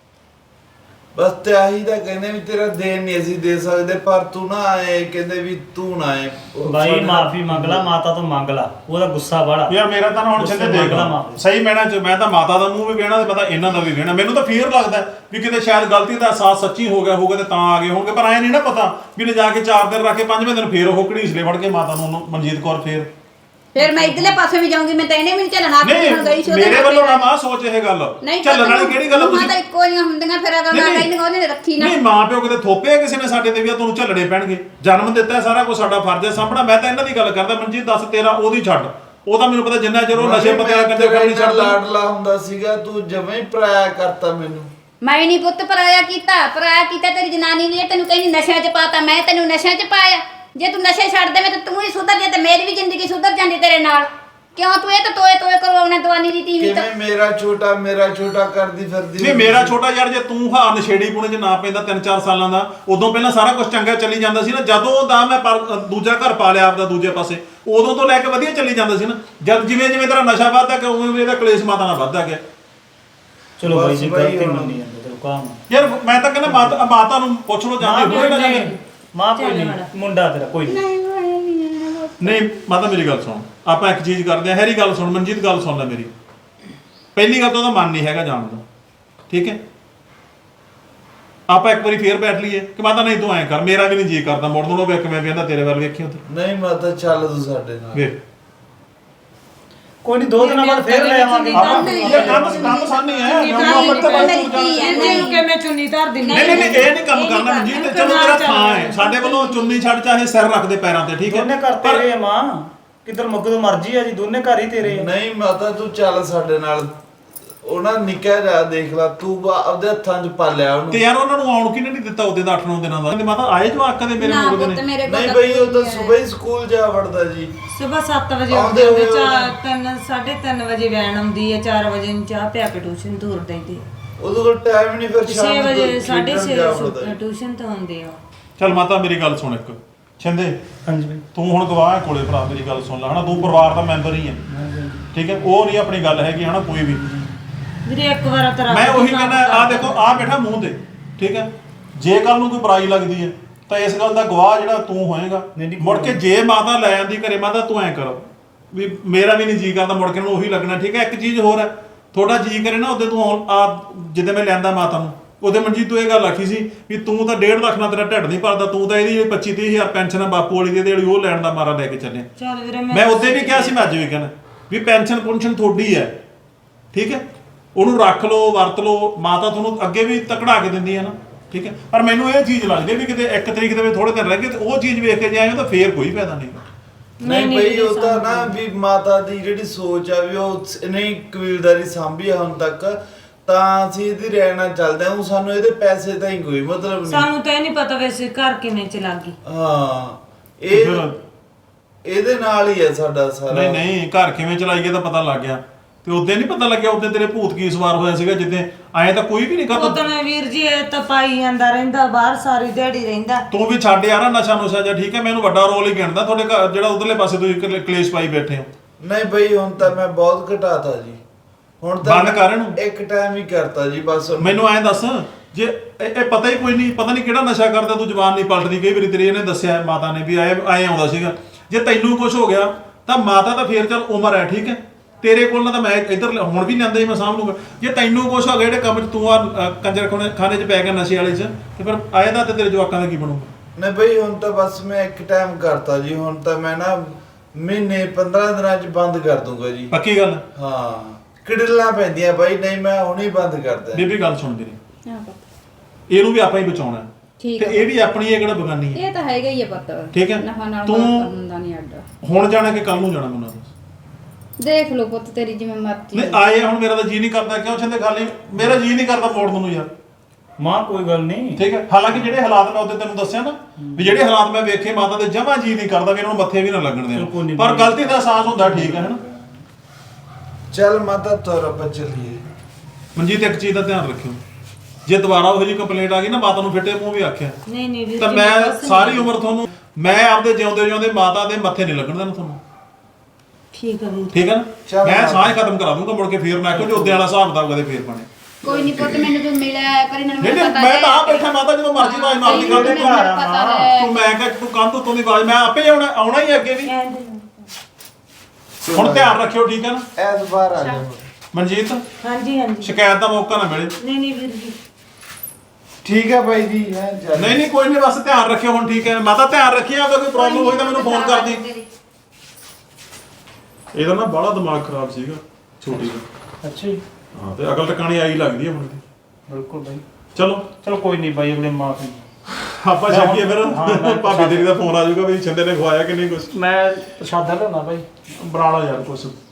S4: ਬਸ ਤੇ ਆਹੀ ਤਾਂ ਕਹਿੰਦੇ ਵੀ ਤੇਰਾ ਦੇਣ ਨਹੀਂ ਅਸੀਂ ਦੇ ਸਕਦੇ, ਪਰ ਤੂੰ ਨਾ ਆਏ, ਕਹਿੰਦੇ ਵੀ ਤੂੰ ਨਾ ਆਏ।
S3: ਬਾਈ ਮਾਫੀ ਮੰਗ ਲਾ, ਮਾਤਾ ਤੋਂ ਮੰਗ ਲਾ, ਉਹਦਾ ਗੁੱਸਾ ਬੜਾ।
S2: ਯਾਰ ਮੇਰਾ ਤਾਂ ਨਾ ਹੁਣ ਛੱਡੇ ਦੇਖ ਲਾ ਸਹੀ ਮੈਨਾਂ ਚ, ਮੈਂ ਤਾਂ ਮਾਤਾ ਦਾ ਮੂੰਹ ਵੀ ਵੇਣਾ ਤੇ ਪਤਾ ਇਹਨਾਂ ਦਾ ਵੀ ਵੇਣਾ। ਮੈਨੂੰ ਤਾਂ ਫੀਅਰ ਲੱਗਦਾ ਵੀ ਕਿਤੇ ਸ਼ਾਇਦ ਗਲਤੀ ਦਾ ਅਹਿਸਾਸ ਸੱਚੀ ਹੋ ਗਿਆ ਹੋਊਗਾ ਤੇ ਤਾਂ ਆ ਗਏ ਹੋਣਗੇ, ਪਰ ਐ ਨਹੀਂ ਨਾ ਪਤਾ ਵੀ ਲੈ ਜਾ ਕੇ ਚਾਰ ਦਿਨ ਰੱਖ ਕੇ ਪੰਜਵੇਂ ਦਿਨ ਫੇਰ ਉਹ ਘੜੀਸਲੇ ਫੜ ਕੇ ਮਾਤਾ ਨੂੰ ਮਨਜੀਤ ਕੌਰ ਫੇਰ।
S1: ਫਿਰ ਮੈਂ ਇਧਰਲੇ ਪਾਸੇ ਵੀ ਜਾਊਂਗੀ, ਮੈਂ ਤਾਂ ਇਹਨੇ ਵੀ ਨਹੀਂ ਚੱਲਣਾ। ਆਪੇ ਹੁਣ ਗਈ ਸੀ
S2: ਨਹੀਂ
S1: ਉਹਦੇ
S2: ਮੇਰੇ
S1: ਨਾਲ
S2: ਵੱਲੋਂ ਨਾ
S1: ਫਿਰ।
S2: ਮਾਂ ਸੋਚ ਇਹ ਗੱਲ
S1: ਨਹੀਂ
S2: ਚੱਲਣ ਵਾਲੀ ਕਿਹੜੀ ਗੱਲ ਆ
S1: ਤੁਸੀਂ
S2: ਤੁਸੀਂ?
S1: ਤਾਂ ਇੱਕੋ ਜਿਹੀਆਂ ਹੁੰਦੀਆਂ, ਫਿਰ ਅਗਰ ਮੈਂ ਕਹਿੰਦੀ ਉਹਨੇ ਨੇ ਰੱਖੀ ਨਾ।
S2: ਨਹੀਂ ਮਾਂ ਪਿਓ ਕਿਤੇ ਥੋਪਿਆ ਕਿਸੇ ਨੇ ਸਾਡੇ ਤੇ ਵੀ ਆ ਤੁਹਾਨੂੰ ਝੱਲਣੇ ਪੈਣਗੇ, ਜਨਮ ਦਿੱਤਾ ਸਾਰਾ ਕੁਝ ਸਾਡਾ ਫਰਜ਼ ਹੈ ਸਾਂਭਣਾ। ਮੈਂ ਤਾਂ ਇਹਨਾਂ ਦੀ ਗੱਲ ਕਰਦਾ ਮਨਜੀਤ, ਦੱਸ ਤੇਰਾ ਉਹਦੀ ਛੱਡ, ਉਹ ਤਾਂ ਮੈਨੂੰ ਪਤਾ ਜਿੰਨਾ ਚਿਰ ਉਹ ਨਸ਼ੇ ਪੱਤੇ ਵਾਲਾ ਕੰਜਰ ਕਰ ਨਹੀਂ ਛੱਡਦਾ।
S4: ਲਾਡਲਾ ਹੁੰਦਾ ਸੀਗਾ, ਤੂੰ ਜਮਾਂ ਹੀ ਪਰਾਇਆ ਕਰਤਾ ਮੈਨੂੰ।
S1: ਮੈਂ ਨਹੀਂ ਪੁੱਤ ਪਰਾਇਆ ਕੀਤਾ, ਪਰਾਇਆ ਕੀਤਾ ਤੇਰੀ ਜਨਾਨੀ ਨੇ, ਤੈਨੂੰ ਕਹਿੰਦੀ ਨਸ਼ਿਆਂ 'ਚ ਪਾਤਾ, ਮੈਂ ਤੈਨੂੰ ਨਸ਼ਿਆਂ 'ਚ ਪਾਇਆ। ਜੇ ਤੂੰ ਨਸ਼ੇ ਛੱਡ ਦੇਵੇਂ ਤਾਂ ਤੂੰ ਹੀ ਸੁਧਰ ਜਾ, ਤੇ ਮੇਰੀ ਵੀ ਜ਼ਿੰਦਗੀ ਸੁਧਰ ਜਾਂਦੀ ਤੇਰੇ ਨਾਲ। ਕਿਉਂ ਤੂੰ ਇਹ ਤਾਂ ਤੋਏ ਤੋਏ ਕਰਵਾਉਣਾ ਦਵਾਨੀ ਦੀ ਟੀਵੀ ਤਾਂ?
S4: ਕਿਵੇਂ ਮੇਰਾ ਛੋਟਾ ਮੇਰਾ ਛੋਟਾ ਕਰਦੀ ਫਿਰਦੀ?
S2: ਨਹੀਂ ਮੇਰਾ ਛੋਟਾ ਯਾਰ, ਜੇ ਤੂੰ ਹਾਂ ਨਸ਼ੇੜੀ ਪੁਣੇ 'ਚ ਨਾ ਪੈਂਦਾ ਤਿੰਨ ਚਾਰ ਸਾਲਾਂ ਦਾ, ਉਦੋਂ ਪਹਿਲਾਂ ਸਾਰਾ ਕੁਝ ਚੰਗਾ ਚੱਲੀ ਜਾਂਦਾ ਸੀ ਨਾ। ਜਦੋਂ ਦਾ ਮੈਂ ਪਰ ਦੂਜਾ ਘਰ ਪਾ ਲਿਆ ਆਪਦਾ ਦੂਜੇ ਪਾਸੇ, ਉਦੋਂ ਤੋਂ ਲੈ ਕੇ ਵਧੀਆ ਚੱਲੀ ਜਾਂਦਾ ਸੀ ਨਾ। ਜਦ ਜਿਵੇਂ ਜਿਵੇਂ ਤੇਰਾ ਨਸ਼ਾ ਵੱਧਦਾ ਗਿਆ ਉਵੇਂ ਇਹਦਾ ਕਲੇਸ਼ ਮਾਤਾ ਨਾਲ ਵੱਧਦਾ ਗਿਆ।
S3: ਚਲੋ ਬਾਈ ਜੀ
S4: ਬਸ ਬਾਈ
S3: ਗਲਤੀ
S4: ਹੁਣ-
S3: ਮੰਨੀ ਜਾਂਦੇ ਤੇ ਕੰਮ।
S2: ਯਾਰ ਮੈਂ ਤਾਂ ਕਹਿੰਦਾ ਮਾਤਾ ਮਾਤਾ ਨੂੰ ਪੁੱਛ ਲਓ ਜਾਂਦੇ ਹੋਏ ਨਾ ਜਾਂਦੇ।
S3: ਮਾਂ ਕੋਈ ਨਹੀਂ, ਮੁੰਡਾ ਤੇਰਾ ਕੋਈ ਨਹੀਂ।
S2: ਨਹੀਂ ਮਾਤਾ ਮੇਰੀ ਗੱਲ ਸੁਣ, ਆਪਾਂ ਇੱਕ ਚੀਜ਼ ਕਰਦੇ ਆ। ਹੈਰੀ ਗੱਲ ਸੁਣ, ਮਨਜੀਤ ਗੱਲ ਸੁਣ ਲੈ ਮੇਰੀ। ਪਹਿਲੀ ਗੱਲ ਤਾਂ ਉਹਦਾ ਮਨ ਨਹੀਂ ਹੈਗਾ ਜਾਣ ਦਾ, ਠੀਕ ਹੈ? ਆਪਾਂ ਇੱਕ ਵਾਰੀ ਫੇਰ ਬੈਠ ਲਈਏ ਕਿ ਮਾਤਾ ਨਹੀਂ ਤੂੰ ਐਂ ਕਰ, ਮੇਰਾ ਵੀ ਨਹੀਂ ਜੀ ਕਰਦਾ ਮੁੜ ਨੂੰ ਵੇਖ ਮੈਂ ਵੇਂਦਾ ਤੇਰੇ ਵੱਲ ਵੇਖੀ ਉੱਥੇ
S4: ਨਹੀਂ ਮਾਤਾ ਚੱਲ ਤੂੰ ਸਾਡੇ ਨਾਲ।
S2: ਵੇਖ
S3: ਕੋਈ ਨਹੀਂ ਦੋ ਦਿਨਾਂ ਬਾਅਦ ਫੇਰ ਲੈ ਆਵਾਂਗੇ।
S2: ਇਹ ਕੰਮ ਕੰਮ ਸਾਨੀ ਹੈ
S5: ਇਹਨੂੰ ਕਿ ਮੈਂ ਚੁੰਨੀ ਧਰ ਦਿੰਦੀ
S2: ਨਹੀਂ ਨਹੀਂ ਇਹ ਨਹੀਂ ਕੰਮ ਕਰਨਾ ਮਨਜੀਤ, ਚਲੋ ਤੇਰਾ ਥਾਂ ਹੈ ਸਾਡੇ ਵੱਲੋਂ ਚੁੰਨੀ ਛੱਡ ਚਾਹੇ ਸਿਰ ਰੱਖ ਦੇ ਪੈਰਾਂ ਤੇ, ਠੀਕ ਹੈ।
S3: ਦੋਨੇ ਘਰ ਤੇਰੇ ਆ ਮਾਂ, ਕਿੱਧਰ ਮੁੱਕਦੋਂ ਮਰਜੀ ਆ ਜੀ, ਦੋਨੇ ਘਰ ਹੀ ਤੇਰੇ ਆ।
S4: ਨਹੀਂ ਮਾਤਾ ਤੂੰ ਚੱਲ ਸਾਡੇ ਨਾਲ। ਉਹਨਾਂ ਨਿੱਕਾ ਜਿਹਾ ਦੇਖ ਲਾ ਤੂੰ ਬਾ- ਆਪਦੇ ਹੱਥਾਂ 'ਚ ਪਾਲਿਆ ਉਹਨੂੰ।
S2: ਤੇ ਯਾਰ ਉਹਨਾਂ ਨੂੰ ਆਉਣ ਕਿਨੇ ਨਹੀਂ ਦਿੱਤਾ ਉਹਦੇ ਦਾ ਅੱਠ ਨੌ ਦਿਨਾਂ ਦਾ, ਕਹਿੰਦੇ ਮਾਤਾ ਆਏ ਜਵਾਕ ਦੇ ਮੇਰੇ
S1: ਨਾ
S2: ਮੁੰਡੇ
S1: ਪੁੱਤ
S2: ਨੇ।
S1: ਮੇਰੇ ਕੋਲ
S4: ਨਹੀਂ
S1: ਤਾਂ
S4: ਬਈ ਉਹ ਤਾਂ
S1: ਕੋਈ
S4: ਸਵੇਰ ਹੀ ਸਕੂਲ ਜਾ ਵੜਦਾ ਜੀ।
S5: ਸਵੇਰ ਸੱਤ ਵਜੇ
S4: ਆਉਂਦੇ
S5: ਉੱਠਦੇ
S4: ਹੋਏ
S5: ਚਾਰ ਤਿੰਨ ਸਾਢੇ ਤਿੰਨ ਵਜੇ ਵੈਨ ਆਉਂਦੀ ਹੈ, ਚਾਰ ਵਜੇ ਨੂੰ ਚਾਹ ਪਿਆ ਕੇ ਟਿਊਸ਼ਨ ਦੂਰ ਦਈਦੀ
S4: ਉਹਦੇ ਕੋਲ ਟਾਈਮ ਨਹੀਂ, ਫਿਰ ਸ਼ਾਮ
S5: ਛੇ
S4: ਨੂੰ
S5: ਵਜੇ
S4: ਖੇਡਣ
S5: ਸਾਢੇ ਛੇ
S4: ਜਾ ਵੜਦਾ ਜੀ।
S5: ਟਿਊਸ਼ਨ ਤੋਂ ਆਉਂਦੇ ਆ।
S2: ਚੱਲ ਮਾਤਾ ਮੇਰੀ ਗੱਲ ਸੁਣ ਇੱਕ ਛਿੰਦੇ,
S3: ਹਾਂਜੀ ਬਾਈ।
S2: ਤੂੰ ਹੁਣ ਗਵਾਹ ਹੈ ਕੋਲੇ ਭਰਾ, ਮੇਰੀ ਗੱਲ ਸੁਣ ਲੈ ਹਨਾ, ਤੂੰ ਪਰਿਵਾਰ ਦਾ ਮੈਂਬਰ ਹੀ ਹੈ, ਠੀਕ ਹੈ। ਉਹ ਨਹੀਂ ਆਪਣੀ ਗੱਲ ਹੈਗੀ ਹਨਾ ਕੋਈ ਵੀ।
S5: ਵੀਰੇ ਇੱਕ ਵਾਰ ਤੇਰਾ
S2: ਮੈਂ ਉਹੀ ਕਹਿੰਦਾ ਆ ਦੇਖੋ ਆ ਬੈਠਾ ਮੂੰਹ ਤੇ, ਠੀਕ ਹੈ। ਜੇ ਕੱਲ ਨੂੰ ਕੋਈ ਬੁਰਾਈ ਲੱਗਦੀ ਹੈ ਤਾਂ ਇਸ ਗੱਲ ਦਾ ਗਵਾਹ ਜਿਹੜਾ ਤੂੰ ਹੋਏਗਾ। ਮੁੜ ਕੇ ਜੇ ਮਾਤਾ ਲੈ ਆਂਦੀ ਘਰੇ, ਮਾਤਾ ਤੂੰ ਐਂ ਕਰ ਵੀ ਮੇਰਾ ਵੀ ਨਹੀਂ ਜੀ ਕਰਦਾ, ਮੁੜ ਕੇ ਨੂੰ ਉਹੀ ਲੱਗਣਾ, ਠੀਕ ਹੈ। ਇੱਕ ਚੀਜ਼ ਹੋਰ ਹੈ, ਥੋੜਾ ਜੀ ਕਰੇ ਨਾ ਉਹਦੇ ਤੂੰ ਆ ਜਿੱਦੇ ਮੈਂ ਲਿਆਂਦਾ ਮਾਤਾ ਨੂੰ ਉਹਦੇ ਮਨਜੀਤ ਤੂੰ ਇਹ ਗੱਲ ਆਖੀ ਸੀ ਵੀ ਤੂੰ ਤਾਂ ਡੇਢ ਲੱਖ ਨਾਲ ਤੇਰਾ ਢਿੱਡ ਨਹੀਂ ਭਰਦਾ, ਤੂੰ ਤਾਂ ਇਹਦੀ ਜਿਹੜੀ ਪੱਚੀ ਤੀਹ ਹਜ਼ਾਰ ਪੈਨਸ਼ਨ ਆ ਬਾਪੂ ਵਾਲੀ ਦੀ ਜਿਹੜੀ ਉਹ ਲੈਣ ਦਾ ਮਾਰਾ ਲੈ ਕੇ ਚੱਲੇ।
S5: ਚੱਲ ਵੀਰੇ
S2: ਮੈਂ ਉਹਦੇ ਵੀ ਕਿਹਾ ਸੀ, ਮੈਂ ਅੱਜ ਵੀ ਕਹਿਣਾ ਵੀ ਪੈਨਸ਼ਨ ਪੁਨਸ਼ਨ ਤੁਹਾਡੀ ਹੈ, ਠੀਕ ਹੈ। ਉਹਨੂੰ ਰੱਖ ਲਓ, ਵਰਤ ਲਓ, ਮਾਤਾ ਤੁਹਾਨੂੰ ਅੱਗੇ ਵੀ ਤਕੜਾ ਕੇ ਦਿੰਦੀ ਹੈ ਨਾ, ਠੀਕ ਹੈ। ਪਰ ਮੈਨੂੰ ਇਹ ਚੀਜ਼ ਲੱਗਦੀ ਵੀ ਕਿਤੇ ਇੱਕ ਤਰੀਕ ਦੇ ਵਿੱਚ ਥੋੜੇ ਦਿਨ ਰਹਿ ਗਏ ਤੇ ਉਹ ਚੀਜ਼ ਵੇਖ ਕੇ ਜਾਏ ਤਾਂ ਫੇਰ ਕੋਈ ਫਾਇਦਾ ਨਹੀਂ।
S4: ਨਹੀਂ ਬਈ ਉਹ ਤਾਂ ਨਾ ਵੀ ਮਾਤਾ ਦੀ ਜਿਹੜੀ ਸੋਚ ਆ ਵੀ ਉਹ ਨਹੀਂ ਕਬੀਲਦਾਰੀ ਸਾਂਭੀ ਆ ਹੁਣ ਤੱਕ, ਤਾਂ ਅਸੀਂ ਇਹਦੀ ਰਹਿਣਾ ਚੱਲਦੇ ਹਾਂ। ਸਾਨੂੰ ਇਹਦੇ ਪੈਸੇ ਤਾਂ ਹੀ ਕੋਈ ਮਤਲਬ ਨਹੀਂ।
S5: ਸਾਨੂੰ ਤਾਂ ਇਹ ਨਹੀਂ ਪਤਾ ਵੈਸੇ ਘਰ ਕਿਵੇਂ ਚਲਾ ਗਈ।
S4: ਹਾਂ ਇਹ ਇਹਦੇ ਨਾਲ ਹੀ ਹੈ ਸਾਡਾ ਸਾਰਾ।
S2: ਨਹੀਂ ਨਹੀਂ ਘਰ ਕਿਵੇਂ ਚਲਾਈਏ ਤਾਂ ਪਤਾ ਲੱਗ ਗਿਆ, ਤੇ ਉਦੋਂ ਨਹੀਂ ਪਤਾ ਲੱਗਿਆ ਉਦੋਂ ਤੇਰੇ ਭੂਤ ਕੀ ਸਵਾਰ ਹੋਇਆ ਸੀਗਾ, ਜਿੱਦੇ ਆਏ ਤਾਂ ਕੋਈ ਵੀ ਨਹੀਂ ਕਰਦਾ।
S5: ਉਦੋਂ ਵੀਰ ਜੀ ਇਹ ਤਾਂ ਪਾਈ ਜਾਂਦਾ ਰਹਿੰਦਾ ਬਾਹਰ, ਸਾਰੀ ਦਿਹਾੜੀ ਰਹਿੰਦਾ।
S2: ਤੂੰ ਵੀ ਛੱਡ ਯਾਰ ਨਸ਼ਾ ਨੁਸ਼ਾ ਜਾਂ, ਠੀਕ ਹੈ। ਮੈਨੂੰ ਵੱਡਾ ਰੋਲ ਹੀ ਗਿਣਦਾ ਤੁਹਾਡੇ ਘਰ ਜਿਹੜਾ ਉਧਰਲੇ ਪਾਸੇ ਤੁਸੀਂ ਕ- ਕਲੇਸ਼ ਪਾਈ ਬੈਠੇ ਹੋ।
S4: ਨਹੀਂ ਬਈ ਹੁਣ ਤਾਂ ਮੈਂ ਬਹੁਤ ਘਟਾਤਾ ਜੀ, ਹੁਣ ਤਾਂ
S2: ਬੰਦ ਕਰ ਇਹਨੂੰ।
S4: ਇੱਕ ਟਾਈਮ ਹੀ ਕਰਤਾ ਜੀ ਬਸ।
S2: ਮੈਨੂੰ ਐਂ ਦੱਸ, ਜੇ ਇਹ ਇਹ ਪਤਾ ਹੀ ਕੋਈ ਨਹੀਂ, ਪਤਾ ਨਹੀਂ ਕਿਹੜਾ ਨਸ਼ਾ ਕਰਦਾ ਤੂੰ, ਜ਼ਬਾਨ ਨਹੀਂ ਪਲਟਦੀ। ਕਈ ਵਾਰੀ ਤੇਰੀ ਇਹਨੇ ਦੱਸਿਆ ਮਾਤਾ ਨੇ ਵੀ ਆਏ ਆਏ ਆਉਂਦਾ ਸੀਗਾ। ਜੇ ਤੈਨੂੰ ਕੁਝ ਹੋ ਗਿਆ ਤਾਂ ਮਾਤਾ ਤਾਂ ਫੇਰ ਚੱਲ ਉਮਰ ਹੈ, ਠੀਕ ਹੈ। ਤੇਰੇ ਕੋਲ ਨਾ ਤਾਂ ਮੈਂ ਇੱਧਰ ਹੁਣ ਵੀ ਲਿਆਂਦਾ ਹੀ ਮੈਂ ਸਾਂਭ ਲੂੰਗਾ। ਜੇ ਤੈਨੂੰ ਕੁਝ ਹੋ ਗਿਆ ਜਿਹੜੇ ਕੰਮ 'ਚ ਤੂੰ ਆ ਕੰਜਰ ਖਾਨੇ 'ਚ ਪੈ ਗਿਆ ਨਸ਼ੇ ਵਾਲੇ 'ਚ, ਤੇ ਫਿਰ ਆਏਦਾ ਤੇ ਤੇਰੇ ਜਵਾਕਾਂ ਦਾ ਕੀ ਬਣੂਗਾ?
S4: ਨਹੀਂ ਬਈ ਹੁਣ ਤਾਂ ਬਸ ਮੈਂ ਇੱਕ ਟਾਈਮ ਕਰਤਾ ਜੀ। ਹੁਣ ਤਾਂ ਮੈਂ ਨਾ ਮਹੀਨੇ ਪੰਦਰਾਂ ਦਿਨਾਂ 'ਚ ਬੰਦ ਕਰ ਦੂੰਗਾ ਜੀ।
S2: ਪੱਕੀ ਗੱਲ?
S4: ਹਾਂ ਕਿਡਲਾਂ ਪੈਂਦੀਆਂ ਬਾਈ, ਨਹੀਂ ਮੈਂ ਹੁਣੇ ਬੰਦ ਕਰਦਾ।
S2: ਬੀਬੀ ਗੱਲ ਸੁਣ ਮੇਰੀ,
S1: ਹਾਂ ਪੁੱਤ
S2: ਇਹਨੂੰ ਵੀ ਆਪਾਂ ਹੀ ਬਚਾਉਣਾ ਹੈ,
S1: ਠੀਕ
S2: ਤੇ
S1: ਹੈ।
S2: ਇਹ ਵੀ ਆਪਣੀ ਇਹ ਕਿਹੜਾ ਬਗਾਨੀ ਹੈ।
S1: ਇਹ ਤਾਂ ਹੈਗਾ ਹੀ ਹੈ ਪੁੱਤ,
S2: ਠੀਕ ਹੈ।
S1: ਨਫਾ ਨਾਲ
S2: ਤੂੰ
S1: ਹੁੰਦਾ ਨਹੀਂ ਅੱਡ।
S2: ਹੁਣ ਜਾਣਾ ਕਿ ਕੱਲ ਨੂੰ ਜਾਣਾ ਮੈਨੂੰ ਦੱਸ।
S1: ਦੇਖ ਲਓ ਪੁੱਤ ਤੇਰੀ ਜਿਵੇਂ ਮਰਜ਼ੀ।
S2: ਨਹੀਂ ਆਏ ਹੁਣ ਮੇਰਾ ਤਾਂ ਜੀ ਨਹੀਂ ਕਰਦਾ, ਕਿਉਂ ਛੰਦੇ ਖਾਲੀ ਮੇਰਾ ਜੀ ਨਹੀਂ ਕਰਦਾ ਮੋੜਨ ਨੂੰ ਯਾਰ।
S3: ਮਾਂ ਕੋਈ ਗੱਲ ਨਹੀਂ,
S2: ਠੀਕ ਹੈ। ਹਾਲਾਂਕਿ ਜਿਹੜੇ ਹਾਲਾਤ ਮੈਂ ਉਹਦੇ ਤੈਨੂੰ ਦੱਸਿਆ ਨਾ ਵੀ ਜਿਹੜੇ ਹਾਲਾਤ ਮੈਂ ਵੇਖੇ ਮਾਤਾ ਦੇ ਜਮਾ ਜੀ ਨਹੀਂ ਕਰਦਾ ਵੀ ਇਹਨਾਂ ਨੂੰ ਮੱਥੇ ਵੀ ਨਾ ਲੱਗਣ
S3: ਬਿਲਕੁਲ
S2: ਦੇਣ,
S3: ਨਹੀਂ।
S2: ਪਰ ਗਲਤੀ ਦਾ ਅਹਿਸਾਸ ਹੁੰਦਾ, ਠੀਕ ਹੈ ਹਨਾ।
S4: ਚੱਲ ਮਾਤਾ ਤੁਰ ਆਪਾਂ ਚੱਲੀਏ।
S2: ਮਨਜੀਤ ਇੱਕ ਚੀਜ਼ ਦਾ ਧਿਆਨ ਰੱਖਿਓ, ਜੇ ਦੁਬਾਰਾ ਉਹੋ ਜਿਹੀ ਕੰਪਲੇਂਟ ਆ ਗਈ ਨਾ, ਮਾਤਾ ਨੂੰ ਫਿੱਟੇ ਮੂੰਹ ਵੀ ਆਖਿਆ
S5: ਨਹੀਂ ਨਹੀਂ ਵੀਰ
S2: ਤਾਂ
S5: ਜੀ,
S2: ਮੈਂ
S5: ਬਸ
S2: ਸਾਰੀ
S5: ਨਹੀਂ।
S2: ਉਮਰ ਤੁਹਾਨੂੰ ਮੈਂ ਆਪਦੇ ਜਿਉਂਦੇ ਜਿਉਂਦੇ ਮਾਤਾ ਦੇ ਮੱਥੇ ਨਹੀਂ ਲੱਗਣ ਦੇਣਾ ਤੁਹਾਨੂੰ,
S5: ਠੀਕ ਹੈ ਵੀਰ।
S2: ਠੀਕ ਹੈ ਨਾ।
S4: ਚੱਲ
S2: ਮੈਂ
S4: ਮਾਤਾ।
S2: ਸਾਹ ਖਤਮ ਕਰਾ ਦੂੰਗਾ, ਮੁੜ ਕੇ ਫੇਰ ਮੈਂ ਕਿਹਾ ਜੋ ਉਹਦੇ ਵਾਲਾ ਹਿਸਾਬ ਕਿਤਾਬ ਕਦੇ ਫੇਰ ਬਣੇ।
S1: ਕੋਈ ਨਹੀਂ ਪੁੱਤ ਮੈਨੂੰ ਤੂੰ ਮਿਲਿਆ ਪਰ ਇਹਨਾਂ ਨੂੰ
S2: ਨਹੀਂ ਨਹੀਂ
S1: ਪਤਾ
S2: ਮੈਂ
S1: ਹੈ।
S2: ਤਾਂ ਆ ਬੈਠਾ ਮਾਤਾ, ਜਦੋਂ ਮਰਜ਼ੀ ਆਵਾਜ਼ ਮਾਰਦੀ
S1: ਤੈਨੂੰ
S2: ਕਰਦੇ
S1: ਮੈਨੂੰ ਪਤਾ ਹੈ।
S2: ਤੂੰ ਮੈਂ ਕਿਹਾ ਤੂੰ ਕੰਧ ਉੱਤੋਂ ਦੀ ਆਵਾਜ਼, ਮੈਂ ਆਪੇ ਆਉਣਾ ਆਉਣਾ ਹੀ ਅੱਗੇ ਵੀ। ਹੁਣ ਧਿਆਨ ਰੱਖਿਓ, ਠੀਕ ਹੈ ਨਾ।
S4: ਐਸ ਬਾਰ ਆ ਜਾਓ।
S2: ਮਨਜੀਤ
S5: ਹਾਂਜੀ ਹਾਂਜੀ।
S2: ਸ਼ਿਕਾਇਤ ਦਾ ਮੌਕਾ ਨਾ ਮਿਲੇ।
S5: ਨਹੀਂ ਨਹੀਂ ਵੀਰ ਜੀ।
S4: ਠੀਕ ਹੈ ਬਾਈ ਜੀ ਹੈ ਚੱਲ।
S2: ਨਹੀਂ ਨਹੀਂ ਕੋਈ ਨਹੀਂ, ਬਸ ਧਿਆਨ ਰੱਖਿਓ ਹੁਣ, ਠੀਕ ਹੈ। ਮਾਤਾ ਧਿਆਨ ਰੱਖਿਆ, ਅਗਰ ਕੋਈ ਪ੍ਰੋਬਲਮ ਹੋਈ ਤਾਂ ਮੈਨੂੰ ਫੋਨ ਕਰ ਦੀ। ਇਹਦਾ ਨਾ ਬੜਾ ਦਿਮਾਗ ਖਰਾਬ ਸੀਗਾ ਛੋਟੀ ਦਾ।
S3: ਅੱਛਾ ਜੀ,
S2: ਹਾਂ ਤੇ ਅਕਲ ਟਿਕਾਣੀ ਆਈ ਲੱਗਦੀ ਹੈ ਹੁਣ ਦੀ।
S3: ਬਿਲਕੁਲ ਬਾਈ।
S2: ਚਲੋ
S3: ਚਲੋ ਕੋਈ ਨਹੀਂ ਬਾਈ, ਅਗਲੇ ਮਾਫੀ।
S2: ਆਪਾਂ ਛੱਡੀਏ ਫਿਰ।
S3: ਹਾਂ, ਮੈਂ
S2: ਭਾਬੀ ਤੇਰੀ ਦਾ ਫੋਨ ਆ ਜਾਊਗਾ ਵੀ ਛਿੰਦੇ ਨੇ ਖਵਾਇਆ ਕਿ ਨਹੀਂ ਕੁਛ।
S3: ਮੈਂ ਪ੍ਰਸ਼ਾਦਾ ਲਿਆਉਣਾ ਬਾਈ।
S2: ਬਣਾ ਲਾ ਯਾਰ ਕੁਛ।